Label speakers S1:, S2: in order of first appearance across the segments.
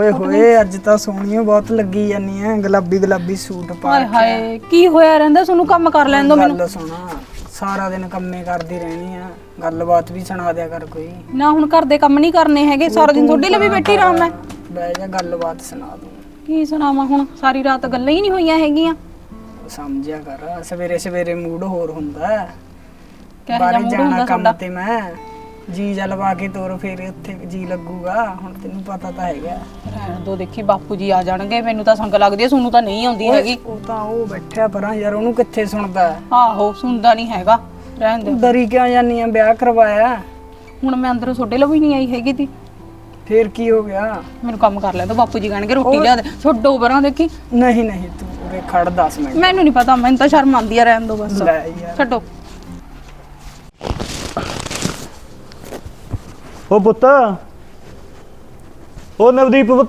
S1: ਓਏ ਹੋਏ ਅੱਜ ਤਾਂ ਸੋਹਣੀ ਬਹੁਤ ਲੱਗੀ ਜਾਨੀ ਐ ਗੁਲਾਬੀ ਗੁਲਾਬੀ ਸੂਟ ਪਾ
S2: ਹਾਏ
S1: ਕੇ।
S2: ਹਾਏ ਕੀ ਹੋਇਆ ਰਹਿੰਦਾ ਤੁਹਾਨੂੰ ਕੰਮ ਕਰ ਲੈਣ ਦੋ ਮੈਨੂੰ।
S1: ਗੱਲ ਸੁਣਾ ਸਾਰਾ ਦਿਨ ਕੰਮੇ ਕਰਦੀ ਰਹਿਣੀ ਆ ਗੱਲਬਾਤ ਵੀ ਸੁਣਾ ਦਿਆ ਕਰ ਕੋਈ
S2: ਨਾ ਹੁਣ ਘਰ ਦੇ ਕੰਮ ਨਹੀਂ ਕਰਨੇ ਹੈਗੇ ਸਾਰਾ ਦਿਨ ਤੁਹਾਡੇ ਲਈ ਵੀ ਬੈਠੀ ਰਹਾਂ ਮੈਂ।
S1: ਬਹਿ ਜਾ ਗੱਲਬਾਤ ਸੁਣਾ ਦੂੰ।
S2: ਕੀ ਸੁਣਾਵਾਂ ਹੁਣ ਸਾਰੀ ਰਾਤ ਗੱਲਾਂ ਹੀ ਨਹੀਂ ਹੋਈਆਂ ਹੈਗੀਆਂ।
S1: ਸਮਝਿਆ ਕਰ ਸਵੇਰੇ ਸਵੇਰੇ ਮੂਡ ਹੋਰ ਹੁੰਦਾ
S2: ਕਿਹੋ ਜਿਹਾ
S1: ਬਾਹਰ
S2: ਮੂਡ
S1: ਜਾਣਾ
S2: ਹੁੰਦਾ
S1: ਕੰਮ
S2: ਤੁਹਾਡਾ?
S1: ਤੇ ਮੈਂ ਜੀ ਜਲਵਾ ਕੇ ਤੋਰ ਫੇਰ ਉੱਥੇ ਜੀ ਲੱਗੂਗਾ ਹੁਣ ਤੈਨੂੰ ਪਤਾ ਤਾਂ ਹੈਗਾ।
S2: ਰਹਿਣ ਦੋ ਦੇਖੀ ਬਾਪੂ ਜੀ ਆ ਜਾਣਗੇ ਮੈਨੂੰ ਤਾਂ ਸੰਗ ਲੱਗਦੀ ਹੈ ਤੁਹਾਨੂੰ ਤਾਂ ਨਹੀਂ ਆਉਂਦੀ ਹੈਗੀ।
S1: ਉਹ ਤਾਂ ਉਹ ਬੈਠਿਆ ਪਰਾਂ ਯਾਰ ਉਹਨੂੰ ਕਿੱਥੇ ਸੁਣਦਾ
S2: ਆਹੋ ਸੁਣਦਾ ਨਹੀਂ ਹੈਗਾ ਰਹਿਣ ਦੇ।
S1: ਡਰੀ ਕਿਉਂ ਜਾਨੀ ਆ ਵਿਆਹ ਕਰਵਾਇਆ
S2: ਹੁਣ ਮੈਂ ਅੰਦਰੋਂ ਤੁਹਾਡੇ ਲਈ ਵੀ ਨਹੀਂ ਆਈ ਹੈਗੀ ਤੀ
S1: ਫੇਰ ਕੀ ਹੋ ਗਿਆ।
S2: ਮੈਨੂੰ ਕੰਮ ਕਰ ਲੈ ਦੋ ਬਾਪੂ ਜੀ ਕਹਿਣਗੇ ਰੋਟੀ ਲਿਆ ਦੇ ਛੱਡੋ ਪਰਾਂ ਦੇਖੀ।
S1: ਨਹੀਂ ਨਹੀਂ ਤੂੰ ਉਰੇ ਖੜ 10 ਮਿੰਟ
S2: ਮੈਨੂੰ ਨਹੀਂ ਪਤਾ ਮੈਨੂੰ ਤਾਂ ਸ਼ਰਮ ਆਉਂਦੀ ਆ ਰਹਿਣ ਦੋ ਬਸ
S1: ਲੈ ਯਾਰ
S2: ਛੱਡੋ।
S3: ਉਹ ਪੁੱਤ ਉਹ ਨਵਦੀਪ ਪੁੱਤ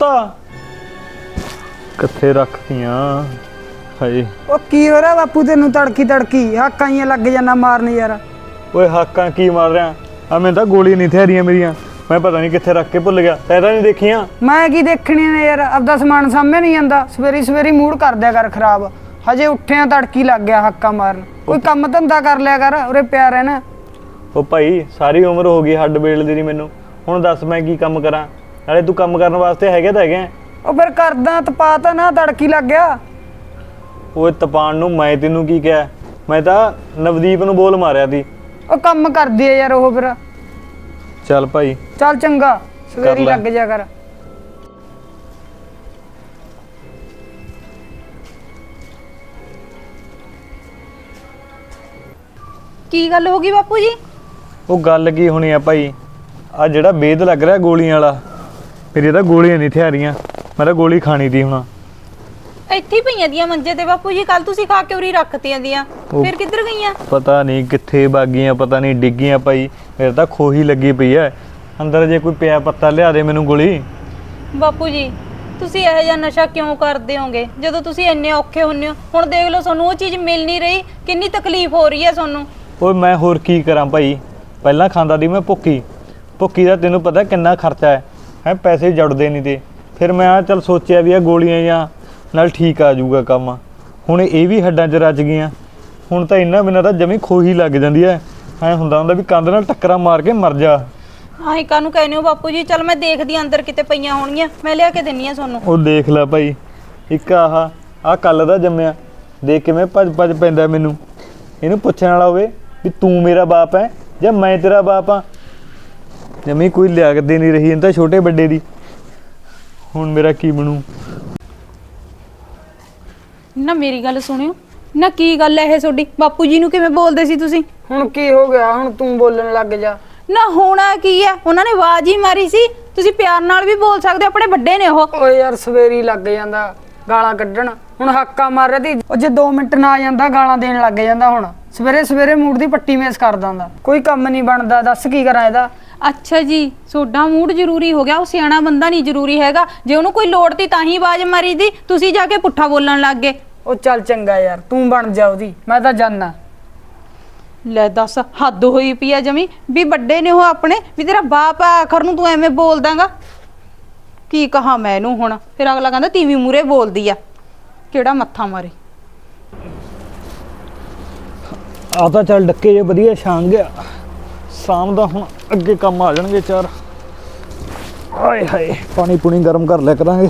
S3: ਕਿੱਥੇ ਰੱਖਤੀਆਂ ਹਾਏ।
S1: ਉਹ ਕੀ ਹੋ ਰਿਹਾ ਬਾਪੂ ਤੈਨੂੰ ਤੜਕੀ ਹਾਕਾਂ ਹੀ ਲੱਗ ਜਾਣਾ ਮਾਰਨ ਯਾਰ।
S3: ਓਏ ਹਾਕਾਂ ਕੀ ਮਾਰ ਰਿਹਾ ਆ ਮੈਨੂੰ ਤਾਂ ਗੋਲੀ ਨਹੀਂ ਥਿਆਰੀਆਂ ਮੇਰੀਆਂ ਮੈਂ ਪਤਾ ਨਹੀਂ ਕਿੱਥੇ ਰੱਖ ਕੇ ਭੁੱਲ ਗਿਆ ਤੈਂ ਤਾਂ ਨਹੀਂ ਦੇਖੀਆਂ।
S1: ਮੈਂ ਕੀ ਦੇਖਣੀ ਨੇ ਯਾਰ ਆਪਦਾ ਸਮਾਨ ਸਾਹਮਣੇ ਨਹੀਂ ਜਾਂਦਾ ਸਵੇਰੀ ਮੂਡ ਕਰ ਦਿਆ ਕਰ ਖਰਾਬ ਹਜੇ ਉੱਠਿਆ ਤੜਕੀ ਲੱਗ ਗਿਆ ਹਾਕਾਂ ਮਾਰਨ ਕੋਈ ਕੰਮ ਧੰਦਾ ਕਰ ਲਿਆ ਕਰ ਉਰੇ ਪਿਆ ਰਹਿਣਾ।
S3: ਉਹ ਭਾਈ ਸਾਰੀ ਉਮਰ ਹੋ ਗਈ ਹੱਡ ਬੇਲ ਦੀ ਨਹੀਂ ਮੈਨੂੰ ਹੁਣ ਦੱਸ ਮੈਂ ਕੀ ਕੰਮ ਕਰਾਂ ਨਾਲੇ ਤੂੰ ਕੰਮ ਕਰਨ ਵਾਸਤੇ ਹੈਗੇ ਤਾਂ ਹੈਗੇ।
S1: ਉਹ ਫਿਰ ਕਰਦਾ ਤਪਾ ਤਾਂ ਨਾ ਤੜਕੀ ਲੱਗ ਗਿਆ।
S3: ਓਏ ਤਪਾਨ ਨੂੰ ਮੈਂ ਤੈਨੂੰ ਕੀ ਕਿਹਾ ਮੈਂ ਤਾਂ ਨਵਦੀਪ ਨੂੰ ਬੋਲ ਮਾਰਿਆ ਸੀ।
S1: ਉਹ ਕੰਮ ਕਰਦੀ ਆ ਯਾਰ ਉਹ ਫਿਰ
S3: ਚੱਲ ਭਾਈ
S1: ਚੱਲ ਚੰਗਾ ਸਵੇਰੀ
S3: ਲੈ।
S1: ਲੱਗ ਜਾ ਕਰ।
S2: ਕੀ ਗੱਲ ਹੋ ਗਈ ਬਾਪੂ ਜੀ?
S3: ਉਹ ਗੱਲ ਕੀ ਹੋਣੀ ਆ ਭਾਈ ਆ ਜਿਹੜਾ ਵੇਦ ਲੱਗ ਰਿਹਾ ਗੋਲੀਆਂ ਵਾਲਾ ਮੇਰੀ ਤਾਂ ਗੋਲੀਆਂ ਨਹੀਂ ਥਿਆਰੀਆਂ ਮੈਂ ਤਾਂ ਗੋਲੀ ਖਾਣੀ ਤੀ ਹੁਣ।
S2: ਇੱਥੇ ਹੀ ਪਈਆਂ ਦੀਆਂ ਮੰਜੇ ਤੇ ਬਾਪੂ ਜੀ ਕੱਲ ਤੁਸੀਂ ਖਾ ਕੇ ਉਰੀ ਰੱਖਤੀਆਂ ਦੀਆਂ ਫਿਰ ਕਿੱਧਰ ਗਈਆਂ?
S3: ਪਤਾ ਨਹੀਂ ਕਿੱਥੇ ਬਾਗੀਆਂ ਪਤਾ ਨਹੀਂ ਡਿੱਗੀਆਂ ਭਾਈ ਮੇਰੇ ਤਾਂ ਖੋਹੀ ਲੱਗੀ ਪਈ ਐ ਅੰਦਰ ਜੇ ਕੋਈ ਪਿਆ ਪੱਤਾ ਲਿਆ ਦੇ ਮੈਨੂੰ ਗੋਲੀ।
S2: ਬਾਪੂ ਜੀ ਤੁਸੀਂ ਇਹੋ ਜਿਹਾ ਨਸ਼ਾ ਕਿਉਂ ਕਰਦੇ ਹੋਗੇ ਜਦੋਂ ਤੁਸੀਂ ਇੰਨੇ ਔਖੇ ਹੁੰਨੇ ਹੋ? ਹੁਣ ਦੇਖ ਲਓ ਤੁਹਾਨੂੰ ਉਹ ਚੀਜ਼ ਮਿਲ ਨਹੀਂ ਰਹੀ ਕਿੰਨੀ ਤਕਲੀਫ ਹੋ ਰਹੀ ਹੈ ਤੁਹਾਨੂੰ।
S3: ਓਏ ਮੈਂ ਹੋਰ ਕੀ ਕਰਾਂ ਭਾਈ ਪਹਿਲਾਂ ਖਾਂਦਾ ਦੀ ਮੈਂ ਭੁੱਕੀ ਦਾ ਤੈਨੂੰ ਪਤਾ ਕਿੰਨਾ ਖਰਚਾ ਹੈ ਪੈਸੇ ਜੁੜਦੇ ਨਹੀਂ ਤੇ ਫਿਰ ਮੈਂ ਆ ਚੱਲ ਸੋਚਿਆ ਵੀ ਆ ਗੋਲੀਆਂ ਜਾਂ ਨਾਲ ਠੀਕ ਆ ਜਾਊਗਾ ਕੰਮ। ਹੁਣ ਇਹ ਵੀ ਹੱਡਾਂ 'ਚ ਰਚ ਗਈਆਂ ਹੁਣ ਤਾਂ ਇਹਨਾਂ ਬਿਨਾਂ ਤਾਂ ਜਮੀ ਖੋਹੀ ਲੱਗ ਜਾਂਦੀ ਐ ਹੁੰਦਾ ਵੀ ਕੰਧ ਨਾਲ ਟੱਕਰਾਂ ਮਾਰ ਕੇ ਮਰ ਜਾ।
S2: ਆਹੀ ਕਾਹਨੂੰ ਕਹਿੰਦੇ ਹੋ ਬਾਪੂ ਜੀ? ਚਲ ਮੈਂ ਦੇਖਦੀ ਅੰਦਰ ਕਿਤੇ ਪਈਆਂ ਹੋਣਗੀਆਂ ਮੈਂ ਲਿਆ ਕੇ ਦਿੰਨੀ ਆ ਤੁਹਾਨੂੰ।
S3: ਉਹ ਦੇਖ ਲੈ ਭਾਈ ਇੱਕ ਆਹ ਕੱਲ ਦਾ ਜੰਮਿਆ ਦੇਖ ਕਿਵੇਂ ਭੱਜ ਪੈਂਦਾ ਮੈਨੂੰ। ਇਹਨੂੰ ਪੁੱਛਣ ਵਾਲਾ ਹੋਵੇ ਵੀ ਤੂੰ ਮੇਰਾ ਬਾਪ ਹੈ ਜਾਂ ਮੈਂ ਤੇਰਾ ਬਾਪ ਆ ਜਮੀ ਕੋਈ ਲਿਆਕਤ ਦੇ ਨਹੀਂ ਰਹੀ ਇਹਨਾਂ ਤਾਂ ਛੋਟੇ ਵੱਡੇ ਦੀ। ਹੁਣ ਮੇਰਾ ਕੀ ਬਣੂ?
S2: ਨਾ ਮੇਰੀ ਗੱਲ ਸੁਣਿਓ ਨਾ ਕੀ ਗੱਲ ਹੈ ਇਹ ਤੁਹਾਡੀ? ਬਾਪੂ ਜੀ ਨੂੰ ਕਿਵੇਂ ਬੋਲਦੇ ਸੀ ਤੁਸੀਂ?
S1: ਹੁਣ ਕੀ ਹੋ ਗਿਆ ਹੁਣ ਤੂੰ ਬੋਲਣ ਲੱਗ ਜਾ।
S2: ਨਾ ਹੋਣਾ ਕੀ ਹੈ ਉਹਨਾਂ ਨੇ ਆਵਾਜ਼ ਹੀ ਮਾਰੀ ਸੀ ਤੁਸੀਂ ਪਿਆਰ ਨਾਲ ਵੀ ਬੋਲ ਸਕਦੇ ਹੋ ਆਪਣੇ ਵੱਡੇ ਨੇ ਉਹ।
S1: ਓਏ ਯਾਰ ਸਵੇਰੀ ਲੱਗ ਜਾਂਦਾ ਗਾਲਾਂ ਕੱਢਣ ਹੁਣ ਹਾਕਾਂ ਮਾਰ ਰਿਹਾ ਤੀ ਉਹ ਜੇ 2 ਮਿੰਟ ਨਾ ਆ ਜਾਂਦਾ ਗਾਲਾਂ ਦੇਣ ਲੱਗ ਜਾਂਦਾ ਹੁਣ ਸਵੇਰੇ ਮੂਡ ਦੀ ਪੱਟੀ ਮੇਸ ਕਰ ਦਿੰਦਾ ਕੋਈ ਕੰਮ ਨਹੀਂ ਬਣਦਾ ਦੱਸ ਕੀ ਕਰਾਂ ਇਹਦਾ।
S2: ਅੱਛਾ ਜੀ ਤੁਹਾਡਾ ਮੂਡ ਜ਼ਰੂਰੀ ਹੋ ਗਿਆ ਉਹ ਸਿਆਣਾ ਬੰਦਾ ਨਹੀਂ ਜ਼ਰੂਰੀ ਹੈਗਾ ਜੇ ਉਹਨੂੰ ਕੋਈ ਲੋੜ ਤੀ ਤਾਂ ਹੀ ਆਵਾਜ਼ ਮਾਰੀ ਦੀ ਤੁਸੀਂ ਜਾ ਕੇ ਪੁੱਠਾ ਬੋਲਣ ਲੱਗ ਗਏ।
S1: ਉਹ ਚੱਲ ਚੰਗਾ ਯਾਰ ਤੂੰ ਬਣ ਜਾ ਉਹਦੀ ਮੈਂ ਤਾਂ ਜਾਨਾ।
S2: ਲੈ ਦੱਸ ਹੱਦ ਹੋਈ ਪਈ ਆ ਜਮੀ ਵੀ ਵੱਡੇ ਨੇ ਉਹ ਆਪਣੇ ਵੀ ਤੇਰਾ ਬਾਪ ਆ ਆਖਰ ਨੂੰ ਤੂੰ ਐਵੇਂ ਬੋਲ ਦਾਂਗਾ ਕੀ ਕਹਾ ਮੈਂ ਇਹਨੂੰ ਹੁਣ? ਫਿਰ ਅਗਲਾ ਕਹਿੰਦਾ ਤੀਵੀਂ ਮੂਰੇ ਬੋਲਦੀ ਆ ਕਿਹੜਾ ਮੱਥਾ ਮਾਰੇ।
S3: ਆ ਤਾਂ ਚੱਲ ਡੱਕੇ ਜੇ ਵਧੀਆ ਛਾਂਗ ਗਿਆ ਸ਼ਾਮ ਦਾ ਹੁਣ ਅੱਗੇ ਕੰਮ ਆ ਜਾਣਗੇ ਚਾਰ। ਆਏ ਹਾਏ ਪਾਣੀ ਪੂਣੀ ਗਰਮ ਕਰ ਲਿਆ ਕਰਾਂਗੇ।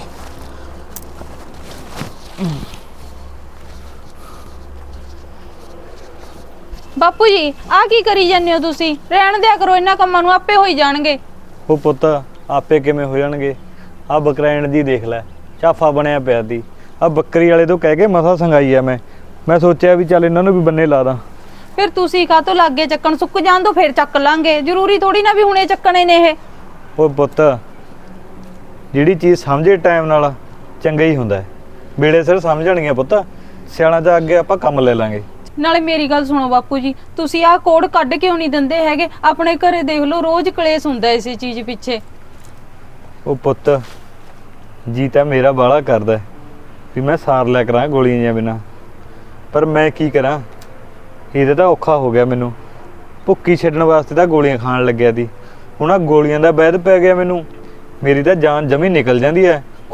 S2: ਬਾਪੂ ਜੀ ਆ ਕੀ ਕਰੀ ਜਾਂਦੇ ਹੋ ਤੁਸੀਂ? ਰਹਿਣ ਦਿਆ ਕਰੋ ਇਹਨਾਂ ਕੰਮਾਂ ਨੂੰ ਆਪੇ ਹੋਈ ਜਾਣਗੇ।
S3: ਉਹ ਪੁੱਤ ਆਪੇ ਕਿਵੇਂ ਹੋ ਜਾਣਗੇ ਆ ਬਕਰੈਣ ਦੀ ਦੇਖ ਲੈ ਚਾਫਾ ਬਣਿਆ ਪਿਆ ਦੀ ਆ ਬੱਕਰੀ ਵਾਲੇ ਤੋਂ ਕਹਿ ਕੇ ਮਸਾ ਸੰਗਾਈ ਆ ਮੈਂ ਸੋਚਿਆ ਵੀ ਚੱਲ ਇਹਨਾਂ ਨੂੰ ਵੀ ਬੰਨੇ ਲਾ ਦਾਂ।
S2: ਫਿਰ ਤੁਸੀਂ ਕਾਹਤੋਂ ਲੱਗੇ ਚੱਕਣ? ਸੁੱਕ ਜਾਣ ਦੋ ਫਿਰ ਚੱਕ ਲਾਂਗੇ ਜ਼ਰੂਰੀ ਥੋੜੀ ਨਾ ਵੀ ਹੁਣੇ ਚੱਕਣੇ ਨੇ ਇਹ।
S3: ਉਹ ਪੁੱਤ ਜਿਹੜੀ ਚੀਜ਼ ਸਮਝੇ ਟਾਈਮ ਨਾਲ ਚੰਗਾ ਹੀ ਹੁੰਦਾ ਵੇਲੇ ਸਿਰ ਸਮਝਣਗੀਆਂ ਪੁੱਤ ਸਿਆਣਾ ਜਾ ਅੱਗੇ ਆਪਾਂ ਕੰਮ ਲੈ ਲਾਂਗੇ।
S2: ਨਾਲੇ ਮੇਰੀ ਗੱਲ ਸੁਣੋ ਬਾਪੂ ਜੀ ਤੁਸੀਂ ਆਹ ਕੋਡ ਕੱਢ ਕਿਉਂ ਨਹੀਂ ਦਿੰਦੇ ਹੈਗੇ? ਆਪਣੇ ਘਰੇ ਦੇਖ ਲਓ ਰੋਜ਼ ਕਲੇਸ਼ ਹੁੰਦਾ ਇਸੇ ਚੀਜ਼ ਪਿੱਛੇ।
S3: ਉਹ ਪੁੱਤ ਜੀ ਤਾਂ ਮੇਰਾ ਬਾਲਾ ਕਰਦਾ ਵੀ ਮੈਂ ਸਾਰ ਲਿਆ ਕਰਾਂ ਗੋਲੀਆਂ ਜਾਂ ਬਿਨਾਂ ਪਰ ਮੈਂ ਕੀ ਕਰਾਂ ਇਹਦੇ ਤਾਂ ਔਖਾ ਹੋ ਗਿਆ ਮੈਨੂੰ। ਭੁੱਕੀ ਛੱਡਣ ਵਾਸਤੇ ਤਾਂ ਗੋਲੀਆਂ ਖਾਣ ਲੱਗਿਆ ਸੀ ਹੁਣ ਆ ਗੋਲੀਆਂ ਦਾ ਵੈਦ ਪੈ ਗਿਆ ਮੈਨੂੰ ਮੇਰੀ ਤਾਂ ਜਾਨ ਜਮੀ ਨਿਕਲ ਜਾਂਦੀ ਹੈ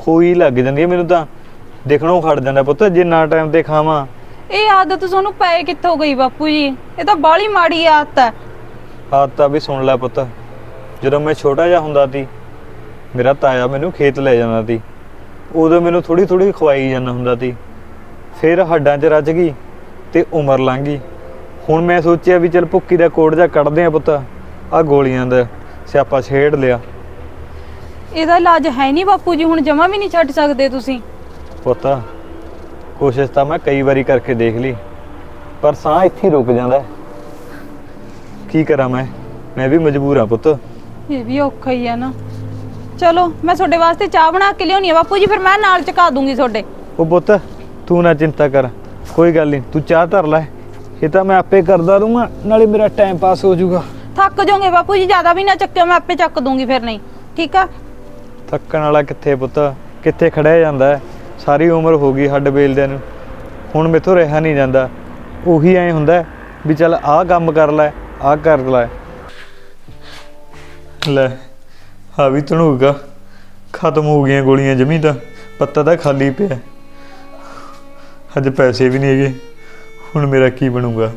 S3: ਖੋਈ ਲੱਗ ਜਾਂਦੀ ਹੈ ਮੈਨੂੰ ਤਾਂ, ਦੇਖਣੋਂ ਖੜ ਜਾਂਦਾ ਪੁੱਤ ਜੇ ਨਾ ਟਾਈਮ ਤੇ ਖਾਵਾਂ।
S2: ਇਹ ਆਦਤ ਤੁਹਾਨੂੰ ਪਏ ਕਿੱਥੋਂ ਗਈ ਬਾਪੂ ਜੀ? ਇਹ ਤਾਂ ਬਾਹਲੀ ਮਾੜੀ ਆਦਤ ਹੈ।
S3: ਆਦਤਾਂ ਵੀ ਸੁਣ ਲੈ ਪੁੱਤ, ਜਦੋਂ ਮੈਂ ਛੋਟਾ ਜਿਹਾ ਹੁੰਦਾ ਸੀ ਮੇਰਾ ਤਾਇਆ ਮੈਨੂੰ ਖੇਤ ਲੈ ਜਾਂਦਾ ਸੀ, ਉਦੋਂ ਮੈਨੂੰ ਥੋੜੀ ਥੋੜੀ ਖਵਾਈ ਜਾਂਦਾ ਹੁੰਦਾ ਸੀ, ਫਿਰ ਹੱਡਾਂ 'ਚ ਰਚ ਗਈ ਤੇ ਉਮਰ ਲੰਘ ਗਈ। ਹੁਣ ਮੈਂ ਸੋਚਿਆ ਵੀ ਚੱਲ ਭੁੱਕੀ ਦਾ ਕੋੜ ਜਾ ਕੱਢਦੇ ਆ ਪੁੱਤ, ਆਹ ਗੋਲੀਆਂ ਦਾ ਸਿਆਪਾ ਛੇੜ ਲਿਆ।
S2: ਇਹਦਾ ਇਲਾਜ ਹੈ ਨਹੀਂ ਬਾਪੂ ਜੀ, ਹੁਣ ਜਮਾ ਵੀ ਨਹੀਂ ਛੱਡ ਸਕਦੇ ਤੁਸੀਂ?
S3: ਪੁੱਤ ਕੋਸ਼ਿਸ਼ ਤਾਂ ਮੈਂ ਕਈ ਵਾਰੀ ਕਰਕੇ ਦੇਖ ਲਈ, ਪਰ ਸਾਹ ਇੱਥੇ ਹੀ ਰੁਕ ਜਾਂਦਾ। ਕੀ ਕਰਾਂ ਮੈਂ ਵੀ ਮਜਬੂਰ ਆ ਪੁੱਤ।
S2: ਇਹ ਵੀ ਔਖਾ ਹੀ ਆ ਨਾ। ਚਲੋ ਮੈਂ ਤੁਹਾਡੇ ਵਾਸਤੇ ਚਾਹ ਬਣਾ ਕੇ ਲਿਆਉਣੀ ਆ ਬਾਪੂ ਜੀ, ਫਿਰ ਮੈਂ ਨਾਲ ਚਕਾ ਦੂੰਗੀ ਤੁਹਾਡੇ।
S3: ਉਹ ਪੁੱਤ ਤੂੰ ਨਾ ਚਿੰਤਾ ਕਰ, ਕੋਈ ਗੱਲ ਨਹੀਂ, ਤੂੰ ਚਾਹ ਧਰ ਲੈ, ਇਹ ਤਾਂ ਮੈਂ ਆਪੇ ਕਰਦਾ ਰਹੂੰਗਾ, ਨਾਲੇ ਮੇਰਾ ਟਾਈਮ ਪਾਸ ਹੋ ਜਾਊਗਾ।
S2: ਥੱਕ ਜਾਓਗੇ ਬਾਪੂ ਜੀ, ਜ਼ਿਆਦਾ ਵੀ ਨਾ ਚੱਕਿਓ, ਮੈਂ ਆਪੇ ਚੱਕ ਦੂੰਗੀ ਫਿਰ। ਨਹੀਂ ਠੀਕ ਆ?
S3: ਥੱਕਣ ਵਾਲਾ ਕਿੱਥੇ ਪੁੱਤ, ਕਿੱਥੇ ਖੜਿਆ ਜਾਂਦਾ ਹੈ, ਸਾਰੀ ਉਮਰ ਹੋ ਗਈ ਹੱਡ ਬੇਲਦਿਆਂ ਨੂੰ, ਹੁਣ ਮੈਥੋਂ ਰਿਹਾ ਨਹੀਂ ਜਾਂਦਾ। ਉਹੀ ਐਂ ਹੁੰਦਾ ਵੀ ਚੱਲ ਆਹ ਕੰਮ ਕਰ ਲੈ, ਆਹ ਕਰ ਲੈ। ਲੈ ਆ ਵੀ ਧਣੂਗਾ, ਖਤਮ ਹੋ ਗਈਆਂ ਗੋਲੀਆਂ ਜਮੀ ਤਾਂ, ਪੱਤਾ ਤਾਂ ਖਾਲੀ ਪਿਆ, ਅੱਜ ਪੈਸੇ ਵੀ ਨਹੀਂ ਹੈਗੇ, ਹੁਣ ਮੇਰਾ ਕੀ ਬਣੂਗਾ?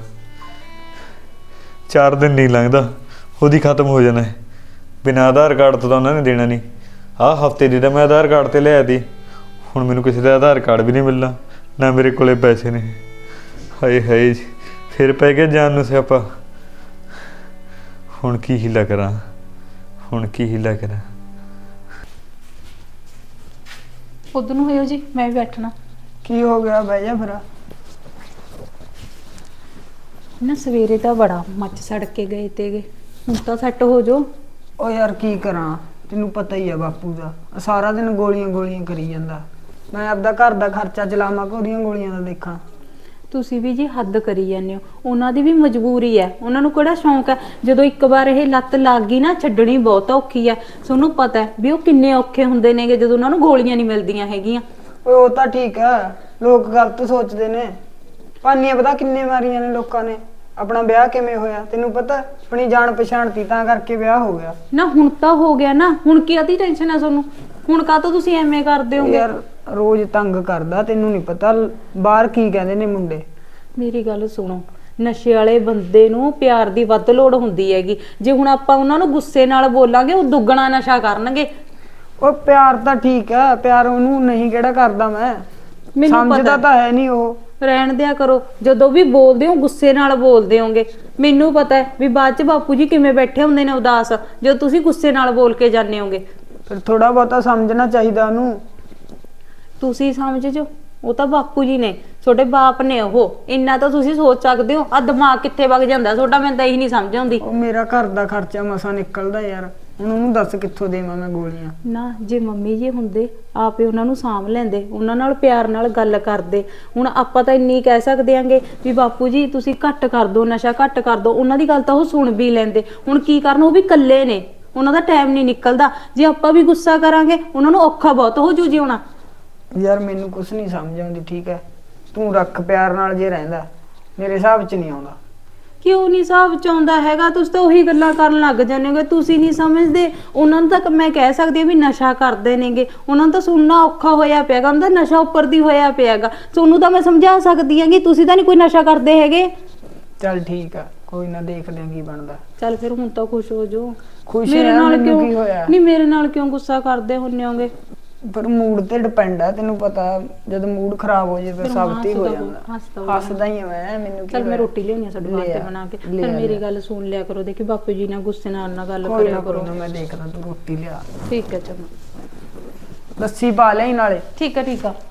S3: 4 ਦਿਨ ਨਹੀਂ ਲੰਘਦਾ ਉਹਦੀ ਖਤਮ ਹੋ ਜਾਣਾ ਹੈ। ਬਿਨਾਂ ਆਧਾਰ ਕਾਰਡ ਤੋਂ ਤਾਂ ਉਹਨਾਂ ਨੇ ਦੇਣਾ ਨਹੀਂ। ਆਹ ਹਫਤੇ ਦੀ ਤਾਂ ਮੈਂ ਆਧਾਰ ਕਾਰਡ ਤੇ ਲਿਆ ਤੀ, ਹੁਣ ਮੈਨੂੰ ਕਿਸੇ ਦਾ ਆਧਾਰ ਕਾਰਡ ਵੀ ਨਹੀਂ ਮਿਲਣਾ, ਨਾ ਮੇਰੇ ਕੋਲੇ ਪੈਸੇ ਨੇ। ਹਾਏ ਹਾਏ ਫਿਰ ਪੈ ਗਿਆ ਜਾਨ ਨੂੰ ਸਿਆਪਾ। ਹੁਣ ਕੀ ਹੀਲਾ ਕਰਾਂ, ਹੁਣ ਕੀ ਹੀਲਾ ਕਰਾਂ?
S2: ਉਧਰ ਨੂੰ ਹੋਇਓ ਜੀ, ਮੈਂ ਵੀ ਬੈਠਣਾ।
S1: ਕੀ ਹੋ ਗਿਆ? ਬਹਿ ਜਾ ਫਿਰ।
S2: ਨਾ ਸਵੇਰੇ ਤਾਂ ਬੜਾ ਮੱਚ ਸੜ ਕੇ ਗਏ ਤੇਗੇ, ਹੁਣ ਤਾਂ ਸੈੱਟ ਹੋ ਜੋ।
S1: ਓ ਯਾਰ ਕੀ ਕਰਾਂ, ਤੈਨੂੰ ਪਤਾ ਹੀ ਆ ਬਾਪੂ ਦਾ, ਸਾਰਾ ਦਿਨ ਗੋਲੀਆਂ ਗੋਲੀਆਂ ਕਰੀ ਜਾਂਦਾ। ਮੈਂ ਆਪਦਾ ਘਰ ਦਾ ਖਰਚਾ ਚਲਾਵਾਂ ਕਿ ਉਹਦੀਆਂ ਗੋਲੀਆਂ ਦਾ ਦੇਖਾਂ?
S2: ਤੁਸੀਂ ਵੀ ਜੀ ਹੱਦ ਕਰੀ ਜਾਂਦੇ ਹੋ, ਉਹਨਾਂ ਦੀ ਵੀ ਮਜਬੂਰੀ ਹੈ, ਉਹਨਾਂ ਨੂੰ ਕਿਹੜਾ ਸ਼ੌਂਕ ਹੈ। ਜਦੋਂ ਇੱਕ ਵਾਰ ਇਹ ਲੱਤ ਲੱਗ ਗਈ ਨਾ, ਛੱਡਣੀ ਬਹੁਤ ਔਖੀ ਹੈ। ਤੁਹਾਨੂੰ ਪਤਾ ਹੈ ਵੀ ਉਹ ਕਿੰਨੇ ਔਖੇ ਹੁੰਦੇ ਨੇਗੇ ਜਦੋਂ ਉਹਨਾਂ ਨੂੰ ਗੋਲੀਆਂ ਨਹੀਂ ਮਿਲਦੀਆਂ ਹੈਗੀਆਂ।
S1: ਓਏ ਉਹ ਤਾਂ ਠੀਕ ਆ, ਲੋਕ ਗਲਤ ਸੋਚਦੇ ਨੇ। ਪਾਨੀਆਂ ਪਤਾ ਕਿੰਨੇ ਮਾਰੀਆਂ ਨੇ ਲੋਕਾਂ ਨੇ। ਆਪਣਾ ਵਿਆਹ ਕਿਵੇਂ ਹੋਇਆ ਤੈਨੂੰ ਪਤਾ? ਆਪਣੀ ਜਾਣ ਪਛਾਣ ਤੀ ਤਾਂ ਕਰਕੇ ਵਿਆਹ ਹੋ ਗਿਆ
S2: ਨਾ। ਹੁਣ ਤਾਂ ਹੋ ਗਿਆ ਨਾ, ਹੁਣ ਕੀ ਆਦੀ ਟੈਨਸ਼ਨ ਹੈ ਤੁਹਾਨੂੰ? ਹੁਣ ਕਾਹਤੋਂ ਤੁਸੀਂ ਐਵੇਂ ਕਰਦੇ ਹੋਗੇ?
S1: ਯਾਰ ਰੋਜ਼ ਤੰਗ ਕਰਦਾ, ਤੈਨੂੰ ਨਹੀਂ ਪਤਾ ਬਾਹਰ ਕੀ ਕਹਿੰਦੇ ਨੇ ਮੁੰਡੇ।
S2: ਮੇਰੀ ਗੱਲ ਸੁਣੋ, ਨਸ਼ੇ ਵਾਲੇ ਬੰਦੇ ਨੂੰ ਪਿਆਰ ਦੀ ਵੱਧ ਲੋੜ ਹੁੰਦੀ ਹੈਗੀ। ਜੇ ਹੁਣ ਆਪਾਂ ਉਹਨਾਂ ਨੂੰ ਗੁੱਸੇ ਨਾਲ ਬੋਲਾਂਗੇ, ਉਹ ਦੁੱਗਣਾ ਨਸ਼ਾ ਕਰਨਗੇ।
S1: ਉਹ ਪਿਆਰ ਤਾਂ ਠੀਕ ਆ, ਪਿਆਰ ਉਹਨੂੰ ਨਹੀਂ ਕਿਹੜਾ ਕਰਦਾ ਮੈਂ,
S2: ਮੈਨੂੰ
S1: ਸਮਝਦਾ ਤਾਂ ਹੈ ਨਹੀਂ ਉਹ।
S2: ਰਹਿਣ ਦਿਆ ਕਰੋ, ਜਦੋਂ ਵੀ ਬੋਲਦੇ ਹੋ ਗੁੱਸੇ ਨਾਲ ਬੋਲਦੇ ਹੋਗੇ। ਮੈਨੂੰ ਪਤਾ ਹੈ ਵੀ ਬਾਅਦ ਚ ਬਾਪੂ ਜੀ ਕਿਵੇਂ ਬੈਠੇ ਹੁੰਦੇ ਨੇ ਉਦਾਸ, ਜਦੋਂ ਤੁਸੀਂ ਗੁੱਸੇ ਨਾਲ ਬੋਲ ਕੇ ਜਾਂਦੇ ਹੋਗੇ।
S1: ਫਿਰ ਥੋੜਾ ਬਹੁਤਾ ਸਮਝਣਾ ਚਾਹੀਦਾ ਉਹਨੂੰ।
S2: ਤੁਸੀਂ ਸਮਝ ਜੋ, ਉਹ ਤਾਂ ਬਾਪੂ ਜੀ ਨੇ, ਤੁਹਾਡੇ ਬਾਪ ਨੇ, ਉਹ ਇੰਨਾ ਤਾਂ ਤੁਸੀਂ ਸੋਚ ਸਕਦੇ ਹੋ। ਆ ਦਿਮਾਗ ਕਿੱਥੇ ਵਗ ਜਾਂਦਾ ਤੁਹਾਡਾ, ਮੈਨੂੰ ਤਾਂ ਇਹੀ ਨਹੀਂ ਸਮਝ ਆਉਂਦੀ।
S1: ਉਹ ਮੇਰਾ ਘਰ ਦਾ ਖਰਚਾ ਮਸਾਂ ਨਿਕਲਦਾ ਯਾਰ, ਹੁਣ ਉਹਨੂੰ ਦੱਸ ਕਿੱਥੋਂ ਦੇਵਾਂ ਮੈਂ ਗੋਲੀਆਂ?
S2: ਨਾ ਜੇ ਮੰਮੀ ਜੀ ਹੁੰਦੇ ਆਪੇ ਉਹਨਾਂ ਨੂੰ ਸਾਂਭ ਲੈਂਦੇ, ਉਹਨਾਂ ਨਾਲ ਪਿਆਰ ਨਾਲ ਗੱਲ ਕਰਦੇ। ਹੁਣ ਆਪਾਂ ਤਾਂ ਇੰਨੀ ਕਹਿ ਸਕਦੇ ਆਂਗੇ ਵੀ ਬਾਪੂ ਜੀ ਤੁਸੀਂ ਘੱਟ ਕਰ ਦਿਓ, ਨਸ਼ਾ ਘੱਟ ਕਰ ਦਿਓ, ਉਹਨਾਂ ਦੀ ਗੱਲ ਤਾਂ ਉਹ ਸੁਣ ਵੀ ਲੈਂਦੇ। ਹੁਣ ਕੀ ਕਰਨ, ਉਹ ਵੀ ਇਕੱਲੇ ਨੇ, ਉਹਨਾਂ ਦਾ ਟਾਈਮ ਨਹੀਂ ਨਿਕਲਦਾ। ਜੇ ਆਪਾਂ ਵੀ ਗੁੱਸਾ ਕਰਾਂਗੇ ਉਹਨਾਂ ਨੂੰ ਔਖਾ ਬਹੁਤ ਹੋ ਜੂ ਜਿਉਣਾ।
S1: ਯਾਰ ਮੈਨੂੰ ਕੁਛ ਨਹੀਂ ਸਮਝ ਆਉਂਦੀ, ਠੀਕ ਹੈ? ਤੂੰ ਰੱਖ ਪਿਆਰ ਨਾਲ ਜੇ ਰਹਿੰਦਾ, ਮੇਰੇ ਹਿਸਾਬ 'ਚ ਨਹੀਂ ਆਉਂਦਾ।
S2: ਕਿਉਂ ਨਹੀਂ ਹਿਸਾਬ ਚ ਆਉਂਦਾ ਹੈਗਾ? ਤੁਸੀਂ ਤਾਂ ਉਹੀ ਗੱਲਾਂ ਕਰਨ ਲੱਗ ਜਾਂਦੇ ਹੋਗੇ, ਤੁਸੀਂ ਨਹੀਂ ਸਮਝਦੇ। ਉਹਨਾਂ ਨੂੰ ਤਾਂ ਮੈਂ ਕਹਿ ਸਕਦੀ ਹਾਂ ਵੀ ਨਸ਼ਾ ਕਰਦੇ ਨੇਗੇ, ਉਹਨਾਂ ਨੂੰ ਤਾਂ ਸੁਣਨਾ ਔਖਾ ਹੋਇਆ ਪਿਆਗਾ, ਉਹਨਾਂ ਦਾ ਨਸ਼ਾ ਉੱਪਰ ਦੀ ਹੋਇਆ ਪਿਆਗਾ। ਤੁਹਾਨੂੰ ਤਾਂ ਮੈਂ ਸਮਝਾ ਸਕਦੀ ਹਾਂ ਕਿ ਤੁਸੀਂ ਤਾਂ ਨਹੀਂ ਕੋਈ ਨਸ਼ਾ ਕਰਦੇ ਹੈਗੇ।
S1: ਚੱਲ ਠੀਕ ਆ, ਕੋਈ ਨਾ, ਦੇਖਦੇ ਆਂ ਕੀ ਬਣਦਾ।
S2: ਚੱਲ ਫਿਰ ਹੁਣ ਤਾਂ ਖੁਸ਼ ਹੋ ਜਾਓ।
S1: ਖੁਸ਼
S2: ਮੇਰੇ
S1: ਆ,
S2: ਨਾਲ
S1: ਮੈਨੂੰ
S2: ਕਿਉਂ
S1: ਕੀ ਹੋਇਆ?
S2: ਨਹੀਂ, ਮੇਰੇ ਨਾਲ ਕਿਉਂ ਗੁੱਸਾ ਕਰਦੇ ਹੁੰਨੇ ਹੋਗੇ?
S1: ਪਰ ਮੂਡ ਤੇ ਡਿਪੈਂਡ ਆ, ਤੈਨੂੰ ਪਤਾ ਜਦ ਮੂਡ ਖਰਾਬ ਹੋ ਜਾਏ ਫਿਰ ਸਭ ਤੇ ਹੀ ਹੋ ਜਾਂਦਾ। ਹੱਸਦਾ ਹੀ ਆ ਮੈਂ, ਮੈਨੂੰ ਕੀ
S2: ਚੱਲ ਮੈਂ
S1: ਹੋਇਆ?
S2: ਰੋਟੀ ਲਿਆਉਣੀ ਆ ਸਾਡੇ ਵਾਸਤੇ ਬਣਾ ਕੇ।
S1: ਲਿਆ,
S2: ਫਿਰ ਮੇਰੀ
S1: ਲਿਆ।
S2: ਗੱਲ ਸੁਣ ਲਿਆ ਕਰੋ, ਦੇਖੀ ਬਾਪੂ ਜੀ ਨਾਲ ਗੁੱਸੇ ਨਾਲ ਗੱਲ
S1: ਕੋਈ
S2: ਕਰਿਆ
S1: ਨਾ
S2: ਕਰੋ।
S1: ਕੋਈ ਨਾ, ਮੈਂ ਦੇਖਦਾ, ਤੂੰ ਰੋਟੀ ਲਿਆ।
S2: ਠੀਕ ਹੈ ਚਲੋ।
S1: ਲੱਸੀ ਪਾ ਲਈ ਨਾਲੇ।
S2: ਠੀਕ ਹੈ ਠੀਕ ਆ।